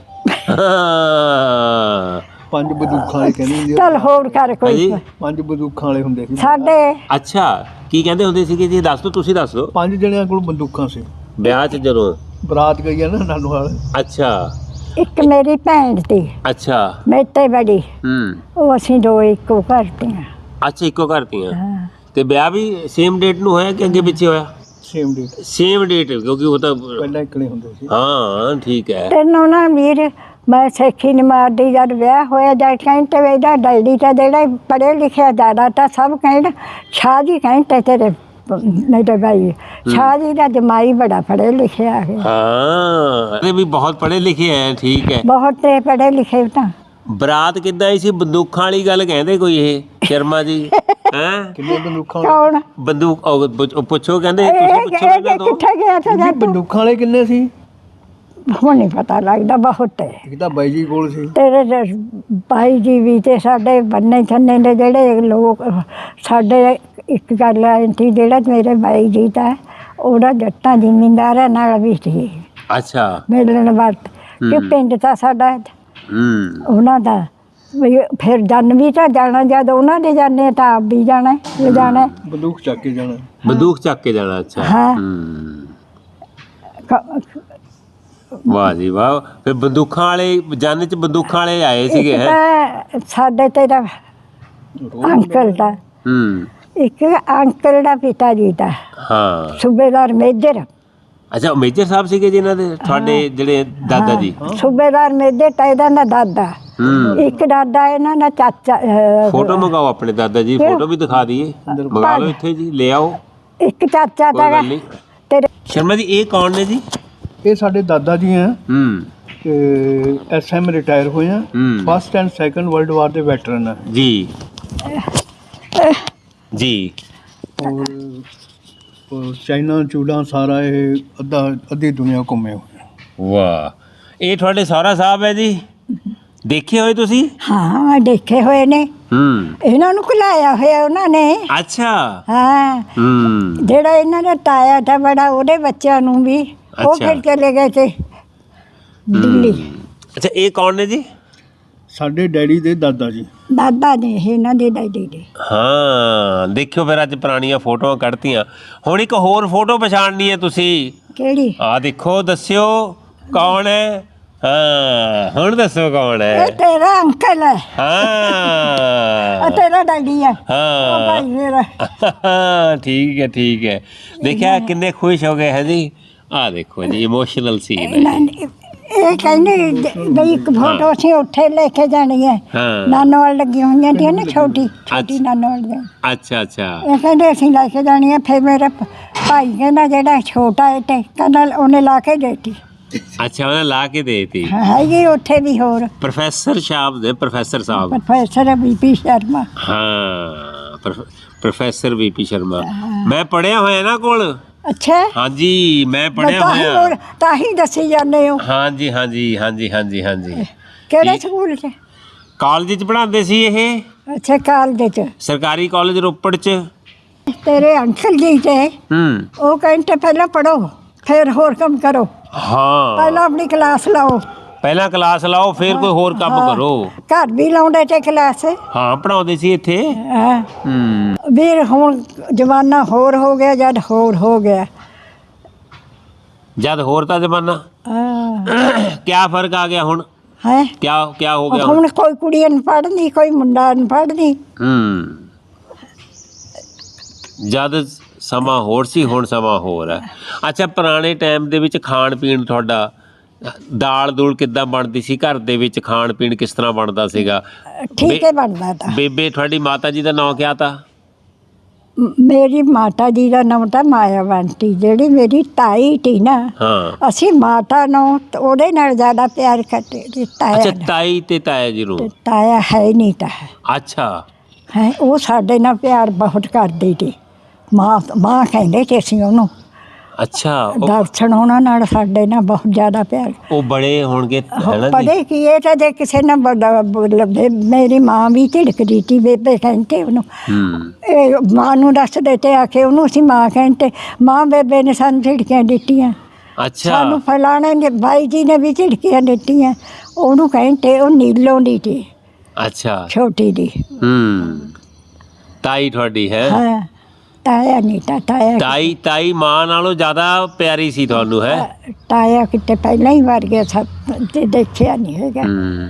[SPEAKER 3] ਪੰਜ ਬੰਦੂਕਾਂ ਵਾਲੇ ਕਹਿੰਦੇ ਹੁੰਦੇ
[SPEAKER 2] ਚੱਲ ਹੋਰ ਕਰ ਕੋਈ
[SPEAKER 1] ਹਾਂਜੀ।
[SPEAKER 3] ਪੰਜ ਬੰਦੂਕਾਂ ਵਾਲੇ ਹੁੰਦੇ ਸੀ।
[SPEAKER 2] ਸਾਡੇ
[SPEAKER 1] ਅੱਛਾ ਕੀ ਕਹਿੰਦੇ ਹੁੰਦੇ ਸੀਗੇ ਜੀ, ਦੱਸ ਦਿਓ, ਤੁਸੀਂ ਦੱਸ ਦਿਓ।
[SPEAKER 3] ਪੰਜ ਜਣਿਆਂ ਕੋਲ ਬੰਦੂਕਾਂ ਸੀ।
[SPEAKER 1] ਵਿਆਹ 'ਚ ਜਦੋਂ
[SPEAKER 3] ਬਰਾਤ ਗਈ ਆ ਨਾ ਨਾਨੂਹਾਲ,
[SPEAKER 1] ਅੱਛਾ
[SPEAKER 2] ਇੱਕ ਮੇਰੀ ਭੈਣ ਸੀ
[SPEAKER 1] ਅੱਛਾ
[SPEAKER 2] ਮੇਰੇ ਤੇ ਬੜੀ,
[SPEAKER 1] ਹੂੰ
[SPEAKER 2] ਉਹ ਅਸੀਂ ਦੋ ਇੱਕੋ ਘਰ ਦੀਆਂ।
[SPEAKER 1] ਅੱਛਾ ਇੱਕੋ ਘਰ ਦੀਆਂ।
[SPEAKER 2] ਹਾਂ
[SPEAKER 1] ਤੇ ਵਿਆਹ ਵੀ ਸੇਮ ਡੇਟ ਨੂੰ ਹੋਇਆ ਕਿ ਅੱਗੇ ਪਿੱਛੇ ਹੋਇਆ?
[SPEAKER 3] ਸੇਮ ਡੇਟ,
[SPEAKER 1] ਸੇਮ ਡੇਟ, ਕਿਉਂਕਿ ਉਹ ਤਾਂ
[SPEAKER 3] ਪਹਿਲਾਂ ਇਕਲੇ ਹੁੰਦੇ ਸੀ।
[SPEAKER 1] ਹਾਂ ਠੀਕ ਹੈ।
[SPEAKER 2] ਤੈਨੂੰ ਨਾ ਵੀਰ ਮੈਂ ਸੇਖੀ ਨਹੀਂ ਮਾਰਦੀ, ਜਦ ਵਿਆਹ ਹੋਇਆ ਜਦ ਕਹਿੰਦੇ ਇਹਦਾ ਡੈਡੀ ਤਾਂ ਜਿਹੜਾ ਪੜ੍ਹੇ ਲਿਖਿਆ ਜ਼ਿਆਦਾ ਤਾਂ ਸਭ ਕਹਿੰਦੇ ਸ਼ਾਹ ਜੀ ਕਹਿੰਦੇ ਤੇਰੇ ਮੇਰੇ ਭਾਈ ਸ਼ਾਹ ਜੀ ਦਾ ਜਮਾਈ ਬੜਾ ਪੜ੍ਹੇ ਲਿਖਿਆ ਹੈ।
[SPEAKER 1] ਹਾਂ ਇਹ ਵੀ ਬਹੁਤ ਪੜ੍ਹੇ ਲਿਖੇ ਹੈ, ਠੀਕ ਹੈ।
[SPEAKER 2] ਬਹੁਤ ਤੇ ਪੜ੍ਹੇ ਲਿਖੇ ਤਾਂ।
[SPEAKER 1] ਬਰਾਤ ਕਿੱਦਾਂ ਆਈ ਸੀ? ਬੰਦੂਕਾਂ ਵਾਲੀ ਗੱਲ ਕਹਿੰਦੇ ਕੋਈ ਇਹ ਸ਼ਰਮਾ ਜੀ ਹੈਂ?
[SPEAKER 3] ਕਿੰਨੇ ਬੰਦੂਕਾਂ
[SPEAKER 2] ਕੌਣ
[SPEAKER 1] ਬੰਦੂਕ ਉਹ ਪੁੱਛੋ, ਕਹਿੰਦੇ
[SPEAKER 2] ਇਹ
[SPEAKER 1] ਤੁਸੀਂ ਪੁੱਛੋ ਇਹਨਾਂ ਤੋਂ।
[SPEAKER 2] ਕਿੱਥੇ ਗਿਆ ਤਾਂ
[SPEAKER 3] ਜੀ ਬੰਦੂਕਾਂ ਵਾਲੇ ਕਿੰਨੇ ਸੀ?
[SPEAKER 2] ਹੁਣ ਨਹੀਂ ਪਤਾ ਲੱਗਦਾ, ਬਹੁਤ ਹੈ।
[SPEAKER 3] ਇੱਕ ਤਾਂ ਬਾਈ ਜੀ ਕੋਲ ਸੀ।
[SPEAKER 2] ਤੇਰੇ ਭਾਈ ਜੀ ਵੀ ਤੇ ਸਾਡੇ ਬੰਨੇ ਛੰਨੇ ਦੇ ਜਿਹੜੇ ਲੋਕ ਸਾਡੇ ਇੱਕ ਗੱਲ ਆਈ ਸੀ, ਜਿਹੜਾ ਮੇਰੇ ਬਾਈ ਜੀ ਤਾਂ ਉਹਦਾ ਜੱਟਾਂ ਜ਼ਿਮੀਂਦਾਰਾਂ ਨਾਲ ਵੀ ਸੀ
[SPEAKER 1] ਅੱਛਾ
[SPEAKER 2] ਮਿਲਣ ਵਰਤ ਕਿ ਪਿੰਡ ਤਾਂ ਸਾਡਾ ਉਹਨਾਂ ਦਾ ਵੀ ਫਿਰ ਜਨ ਵੀ ਤਾਂ ਜਾਣਾ, ਜਦ ਉਹਨਾਂ ਦੇ ਜਾਣੇ ਤਾਂ ਆਪ ਵੀ ਜਾਣਾ ਲਿਜਾਣਾ।
[SPEAKER 3] ਬੰਦੂਕ ਚੱਕ ਕੇ ਜਾਣਾ।
[SPEAKER 1] ਬੰਦੂਕ ਚੱਕ ਕੇ ਜਾਣਾ, ਅੱਛਾ।
[SPEAKER 2] ਹਾਂ।
[SPEAKER 1] ਵਾਹ ਜੀ ਵਾਹ। ਫਿਰ ਬੰਦੂਕਾਂ ਵਾਲੇ ਜਨ ਚ ਬੰਦੂਕਾਂ ਵਾਲੇ ਆਏ ਸੀਗੇ
[SPEAKER 2] ਇੱਕ
[SPEAKER 1] ਹੈ?
[SPEAKER 2] ਤਾਂ ਸਾਡੇ ਤੇਰਾ ਅੰਕਲ ਦਾ, ਇੱਕ ਅੰਕਲ ਦਾ ਪਿਤਾ ਜੀ ਦਾ
[SPEAKER 1] ਹਾਂ
[SPEAKER 2] ਸੂਬੇਦਾਰ ਮੇਜਰ।
[SPEAKER 1] ਅੱਛਾ ਮੇਜਰ ਸਾਹਿਬ ਸੀਗੇ ਜਿਨ੍ਹਾਂ ਦੇ ਤੁਹਾਡੇ ਜਿਹੜੇ ਦਾਦਾ ਜੀ?
[SPEAKER 2] ਸੂਬੇਦਾਰ ਮੇਜਰ ਤਾਂ ਇਹਦਾ ਦਾ ਦਾਦਾ, ਇੱਕ ਦਾਦਾ ਇਹਨਾਂ ਦਾ ਚਾਚਾ।
[SPEAKER 1] ਫੋਟੋ ਮੰਗਾਓ ਆਪਣੇ ਦਾਦਾ ਜੀ, ਫੋਟੋ ਵੀ ਦਿਖਾ ਦਈਏ, ਮੰਗਾ ਲਓ ਇੱਥੇ ਜੀ, ਲੈ ਆਓ,
[SPEAKER 2] ਇੱਕ ਚਾਚਾ
[SPEAKER 1] ਕੋਈ
[SPEAKER 2] ਤਾਂ
[SPEAKER 1] ਗੱਲ ਨਹੀਂ।
[SPEAKER 2] ਤੇਰੇ
[SPEAKER 1] ਸ਼ਰਮਾ ਜੀ ਇਹ ਕੌਣ ਨੇ ਜੀ?
[SPEAKER 3] ਇਹ ਸਾਡੇ ਦਾਦਾ ਜੀ ਆ, ਤੇ ਐਸਐਮ ਰਿਟਾਇਰ ਹੋਏ ਆ। First and second world war ਦੇ ਵੈਟਰਨ ਆ
[SPEAKER 1] ਜੀ ਜੀ।
[SPEAKER 3] ਔਰ ਚਾਈਨਾ ਚੂੜਾ ਸਾਰਾ ਇਹ ਅੱਧੀ ਦੁਨੀਆ ਘੁੰਮੇ ਹੋਏ।
[SPEAKER 1] ਵਾਹ, ਇਹ ਤੁਹਾਡੇ ਸਹੁਰਾ ਸਾਹਿਬ ਹੈ ਜੀ? ਦੇਖੇ ਹੋਏ ਤੁਸੀਂ?
[SPEAKER 2] ਹਾਂ ਦੇਖੇ ਹੋਏ ਨੇ, ਇਹਨਾਂ ਨੂੰ ਖਿਲਾਇਆ ਹੋਇਆ ਉਹਨਾਂ ਨੇ।
[SPEAKER 1] ਅੱਛਾ
[SPEAKER 2] ਹਾਂ ਜਿਹੜਾ ਇਹਨਾਂ ਦਾ ਤਾਇਆ ਤਾਂ ਬੜਾ, ਉਹਦੇ ਬੱਚਿਆਂ ਨੂੰ ਵੀ ਉਹ
[SPEAKER 1] ਅੱਛਾ।
[SPEAKER 2] ਫਿਰ ਚਲੇ ਗਏ ਤੇ ਦਿੱਲੀ।
[SPEAKER 1] ਅੱਛਾ ਇਹ ਕੌਣ ਨੇ ਜੀ?
[SPEAKER 3] ਸਾਡੇ ਡੈਡੀ ਦੇ ਦਾਦਾ ਜੀ।
[SPEAKER 2] ਦਾਦਾ ਨੇ ਇਹਨਾਂ ਦੇ ਡੈਡੀ ਦੇ।
[SPEAKER 1] ਹਾਂ ਦੇਖਿਓ ਫਿਰ ਅੱਜ ਪੁਰਾਣੀਆਂ ਫੋਟੋਆਂ ਕੱਢਤੀਆਂ। ਹੁਣ ਇੱਕ ਹੋਰ ਫੋਟੋ ਪਛਾਣਨੀ ਹੈ ਤੁਸੀਂ?
[SPEAKER 2] ਕਿਹੜੀ?
[SPEAKER 1] ਆਹ ਦੇਖੋ, ਦੱਸਿਓ ਕੌਣ ਹੈ? ਹਾਂ ਹੁਣ ਦੱਸੋ ਕੌਣ
[SPEAKER 2] ਇਹ
[SPEAKER 1] ਹੈ?
[SPEAKER 2] ਤੇਰਾ ਅੰਕਲ ਹੈ।
[SPEAKER 1] ਹਾਂ
[SPEAKER 2] ਤੇਰਾ ਡੈਡੀ ਹੈ।
[SPEAKER 1] ਹਾਂ
[SPEAKER 2] ਉਹ ਭਾਈ ਮੇਰਾ।
[SPEAKER 1] ਠੀਕ ਹੈ। ਦੇਖਿਆ ਕਿੰਨੇ ਖੁਸ਼ ਹੋ ਗਏ ਹੈ ਜੀ। ਆਹ ਦੇਖੋ ਜੀ ਇਮੋਸ਼ਨਲ ਸੀਨ
[SPEAKER 2] ਇਹਨਾਂ
[SPEAKER 1] ਹੈ।
[SPEAKER 2] ਨੇ ਇਹ ਕਹਿੰਦੇ ਬਈ ਇੱਕ ਫੋਟੋ ਅਸੀਂ ਉੱਥੇ ਲੈ ਕੇ ਜਾਣੀ ਹੈ,
[SPEAKER 1] ਹਾਂ
[SPEAKER 2] ਨਾਨੋਵਾਲ ਲੱਗੀ ਹੋਈਆਂ ਸੀ ਨਾ, ਛੋਟੀ ਨਾਨੋਵਾਲ ਦੇ।
[SPEAKER 1] ਅੱਛਾ
[SPEAKER 2] ਇਹ ਕਹਿੰਦੇ ਅਸੀਂ ਲੈ ਕੇ ਜਾਣੀ ਹੈ। ਫਿਰ ਮੇਰਾ ਭਾਈ ਕਹਿੰਦਾ ਜਿਹੜਾ ਛੋਟਾ ਹੈ ਤੇ ਕਹਿੰਦਾ ਉਹਨੇ ਲਾ ਕੇ ਦੇਤੀ।
[SPEAKER 1] ਅੱਛਾ ਉਹਨੇ ਲਾ ਕੇ ਦੇਤੀ।
[SPEAKER 2] ਹੈਗੀ ਉੱਥੇ ਵੀ ਹੋਰ
[SPEAKER 1] ਪ੍ਰੋਫੈਸਰ ਸਾਹਿਬ ਦੇ, ਪ੍ਰੋਫੈਸਰ ਸਾਹਿਬ।
[SPEAKER 2] Professor VP Sharma.
[SPEAKER 1] ਹਾਂ ਪ੍ਰੋਫੈਸਰ ਵੀਪੀ ਸ਼ਰਮਾ। ਮੈਂ ਪੜਿਆ ਹੋਇਆ ਨਾ ਕੋਲ।
[SPEAKER 2] ਅੱਛਾ
[SPEAKER 1] ਹਾਂਜੀ ਮੈਂ ਪੜਿਆ ਹੋਇਆ।
[SPEAKER 2] ਤਾਂ ਹੀ ਦੱਸੀ ਜਾਂਦੇ ਹੋ।
[SPEAKER 1] ਹਾਂਜੀ
[SPEAKER 2] ਕਿਹੜੇ ਸਕੂਲ 'ਚ?
[SPEAKER 1] ਕਾਲਜ 'ਚ ਪੜ੍ਹਾਉਂਦੇ ਸੀ ਇਹ।
[SPEAKER 2] ਅੱਛਾ ਕਾਲਜ 'ਚ।
[SPEAKER 1] ਸਰਕਾਰੀ ਕਾਲਜ ਰੋਪੜ 'ਚ।
[SPEAKER 2] ਤੇਰੇ ਅੰਕਲ ਜੀ ਤੇ ਉਹ ਕਹਿੰਦੇ ਪਹਿਲਾਂ ਪੜੋ ਫਿਰ ਹੋਰ ਕੰਮ ਕਰੋ।
[SPEAKER 1] ਹਾਂ
[SPEAKER 2] ਪਹਿਲਾਂ ਆਪਣੀ ਕਲਾਸ ਲਾਓ।
[SPEAKER 1] ਪਹਿਲਾਂ ਕਲਾਸ ਲਾਓ ਫਿਰ ਕੋਈ ਹੋਰ ਕੰਮ ਕਰੋ।
[SPEAKER 2] ਘਰ ਵੀ ਲਾਉਂਦੇ ਤੇ ਕਲਾਸ।
[SPEAKER 1] ਹਾਂ ਪੜਾਉਂਦੇ ਸੀ ਇੱਥੇ।
[SPEAKER 2] ਹਾਂ ਵੀਰ ਹੁਣ ਜ਼ਮਾਨਾ ਹੋਰ ਹੋ ਗਿਆ, ਜਦ ਹੋਰ ਹੋ ਗਿਆ।
[SPEAKER 1] ਜਦ ਹੋਰ ਤਾਂ ਜ਼ਮਾਨਾ। ਕਿਆ ਫਰਕ ਆ ਗਿਆ ਹੁਣ?
[SPEAKER 2] ਹੈ
[SPEAKER 1] ਕਿਆ ਹੋ ਗਿਆ
[SPEAKER 2] ਹੁਣ? ਕੋਈ ਕੁੜੀ ਅਨਪੜ੍ਹ ਨਹੀਂ, ਕੋਈ ਮੁੰਡਾ ਅਨਪੜ੍ਹ ਨਹੀਂ।
[SPEAKER 1] ਜਦ ਸਮਾਂ ਹੋਰ ਸੀ, ਹੁਣ ਸਮਾਂ ਹੋਰ ਹੈ। ਅੱਛਾ ਪੁਰਾਣੇ ਟਾਈਮ ਦੇ ਵਿੱਚ ਖਾਣ ਪੀਣ ਤੁਹਾਡਾ, ਦਾਲ ਦੂਲ ਕਿੱਦਾਂ ਬਣਦੀ ਸੀ ਘਰ ਦੇ ਵਿੱਚ? ਖਾਣ ਪੀਣ ਕਿਸ ਤਰ੍ਹਾਂ ਬਣਦਾ ਸੀਗਾ?
[SPEAKER 2] ਠੀਕ ਹੈ ਬਣਦਾ ਤਾਂ।
[SPEAKER 1] ਬੇਬੇ ਤੁਹਾਡੀ ਮਾਤਾ ਜੀ ਦਾ ਨਾਂ ਕਿਆ ਤਾ?
[SPEAKER 2] ਮੇਰੀ ਮਾਤਾ ਜੀ ਦਾ ਨਾਮ ਤਾਂ ਮਾਇਆ ਬੰਟੀ, ਜਿਹੜੀ ਮੇਰੀ ਤਾਈ ਤੀ ਨਾ,
[SPEAKER 1] ਹਾਂ।
[SPEAKER 2] ਅਸੀਂ ਮਾਤਾ ਨੂੰ ਉਹਦੇ ਨਾਲ ਜ਼ਿਆਦਾ ਪਿਆਰ ਕਰਦੇ ਤੇ ਤਾਇਆ
[SPEAKER 1] ਅੱਛਾ,
[SPEAKER 2] ਨਾਲ।
[SPEAKER 1] ਤਾਈ ਤੇ ਤਾਇਆ ਜੀ ਨੂੰ।
[SPEAKER 2] ਤੇ ਤਾਇਆ ਹੈ ਨਹੀਂ ਤਾਂ
[SPEAKER 1] ਅੱਛਾ।
[SPEAKER 2] ਹੈ, ਉਹ ਸਾਡੇ ਨਾਲ ਪਿਆਰ ਬਹੁਤ ਕਰਦੀ ਸੀ। ਮਾਂ ਕਹਿੰਦੇ ਤੇ ਅਸੀਂ ਉਹਨੂੰ।
[SPEAKER 1] ਅੱਛਾ,
[SPEAKER 2] ਦਰਸ਼ਨ ਉਹਨਾਂ ਨਾਲ ਸਾਡੇ ਨਾਲ ਬਹੁਤ ਜ਼ਿਆਦਾ ਪਿਆਰ।
[SPEAKER 1] ਉਹ ਬੜੇ ਹੋਣਗੇ ਹੈ ਨਾ ਜੀ।
[SPEAKER 2] ਪੜੇ ਕੀ ਇਹ ਤਾਂ ਜੇ ਕਿਸੇ ਨੇ ਮੇਰੀ ਮਾਂ ਵੀ ਝਿੜਕਦੀ ਸੀ, ਬੇਬੇ ਕਹਿੰਦੇ ਉਹਨੂੰ। ਇਹ ਮਾਂ ਨੂੰ ਦੱਸਦੇ ਤੇ ਆ ਕੇ ਉਹਨੂੰ ਅਸੀਂ ਮਾਂ ਕਹਿੰਦੇ। ਮਾਂ ਬੇਬੇ ਨੇ ਸਾਨੂੰ ਝਿੜਕੀਆਂ ਦਿੱਤੀਆਂ।
[SPEAKER 1] ਅੱਛਾ।
[SPEAKER 2] ਸਾਨੂੰ ਫਲਾਣੇ ਨੇ ਬਾਈ ਜੀ ਨੇ ਵੀ ਝਿੜਕੀਆਂ ਦਿੱਤੀਆਂ। ਉਹਨੂੰ ਕਹਿੰਦੇ ਉਹ ਨੀਲੋਂ ਦੀ ਸੀ।
[SPEAKER 1] ਅੱਛਾ।
[SPEAKER 2] ਛੋਟੀ ਦੀ।
[SPEAKER 1] ਤਾਈ ਤੁਹਾਡੀ ਹੈ।
[SPEAKER 2] ਹਾਂ, ਤਾਇਆ ਨਹੀਂ ਤਾਂ ਤਾਇਆ।
[SPEAKER 1] ਤਾਈ ਮਾਂ ਨਾਲੋਂ ਜ਼ਿਆਦਾ ਪਿਆਰੀ ਸੀ ਤੁਹਾਨੂੰ ਹੈ।
[SPEAKER 2] ਤਾਇਆ ਕਿਤੇ ਪਹਿਲਾਂ ਹੀ ਮਰ ਗਿਆ, ਸਭ ਤੇ ਦੇਖਿਆ ਨਹੀਂ ਹੈਗਾ।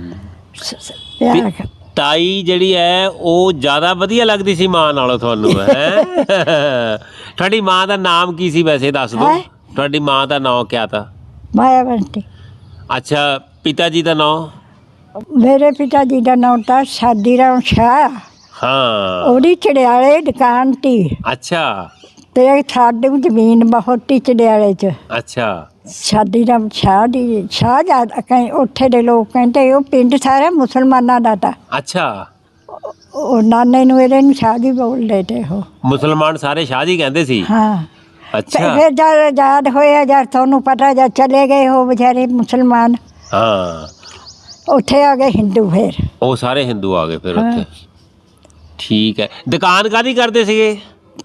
[SPEAKER 2] ਪਿਆਰ
[SPEAKER 1] ਤਾਈ ਜਿਹੜੀ ਹੈ ਉਹ ਜ਼ਿਆਦਾ ਵਧੀਆ ਲੱਗਦੀ ਸੀ ਮਾਂ ਨਾਲੋਂ ਤੁਹਾਨੂੰ ਹੈ। ਤੁਹਾਡੀ ਮਾਂ ਦਾ ਨਾਮ ਕੀ ਸੀ ਵੈਸੇ, ਦੱਸ ਦਿਓ। ਤੁਹਾਡੀ ਮਾਂ ਦਾ ਨਾਮ ਕਿਆ ਤਾ?
[SPEAKER 2] ਮਾਇਆ ਬੰਟੀ।
[SPEAKER 1] ਅੱਛਾ, ਪਿਤਾ ਜੀ ਦਾ ਨਾਮ?
[SPEAKER 2] ਮੇਰੇ ਪਿਤਾ ਜੀ ਦਾ ਨਾਮ ਤਾਂ ਸਾਦੀਰਾਮ ਸ਼ਾਹ।
[SPEAKER 1] ਹਾਂ।
[SPEAKER 2] ਉਹਦੀ ਚੜਿਆਲੇ ਦੁਕਾਨ ਤੀ।
[SPEAKER 1] ਅੱਛਾ।
[SPEAKER 2] ਤੇ ਸਾਡੇ ਜ਼ਮੀਨ ਬਹੁਤ ਤੀ ਚੜਿਆਲੇ 'ਚ।
[SPEAKER 1] ਅੱਛਾ।
[SPEAKER 2] ਸਾਦੀਰਾਮ ਸ਼ਾਹ ਦੀ ਸ਼ਾਹ ਜ਼ਿਆਦਾ ਉੱਥੇ ਦੇ ਲੋਕ ਕਹਿੰਦੇ ਉਹ ਪਿੰਡ ਸਾਰਾ ਮੁਸਲਮਾਨਾਂ ਦਾ ਤਾ।
[SPEAKER 1] ਅੱਛਾ।
[SPEAKER 2] ਉਹ ਨਾਨੇ ਨੂੰ ਇਹਦੇ ਨੂੰ ਸ਼ਾਹ ਜੀ ਬੋਲਦੇ ਤੇ ਉਹ।
[SPEAKER 1] ਮੁਸਲਮਾਨ ਸਾਰੇ ਸ਼ਾਹ ਜੀ ਕਹਿੰਦੇ ਸੀ।
[SPEAKER 2] ਹਾਂ।
[SPEAKER 1] ਅੱਛਾ।
[SPEAKER 2] ਫਿਰ ਜਦ ਆਜ਼ਾਦ ਹੋਇਆ, ਜਦ ਤੁਹਾਨੂੰ ਪਤਾ, ਜਦ ਚਲੇ ਗਏ ਉਹ ਵਿਚਾਰੇ ਮੁਸਲਮਾਨ,
[SPEAKER 1] ਹਾਂ,
[SPEAKER 2] ਉੱਥੇ ਆ ਗਏ ਹਿੰਦੂ। ਫਿਰ
[SPEAKER 1] ਉਹ ਸਾਰੇ ਹਿੰਦੂ ਆ ਗਏ ਫਿਰ ਉੱਥੇ। ਠੀਕ ਹੈ। ਦੁਕਾਨ ਕਾਹਦੀ ਕਰਦੇ ਸੀਗੇ?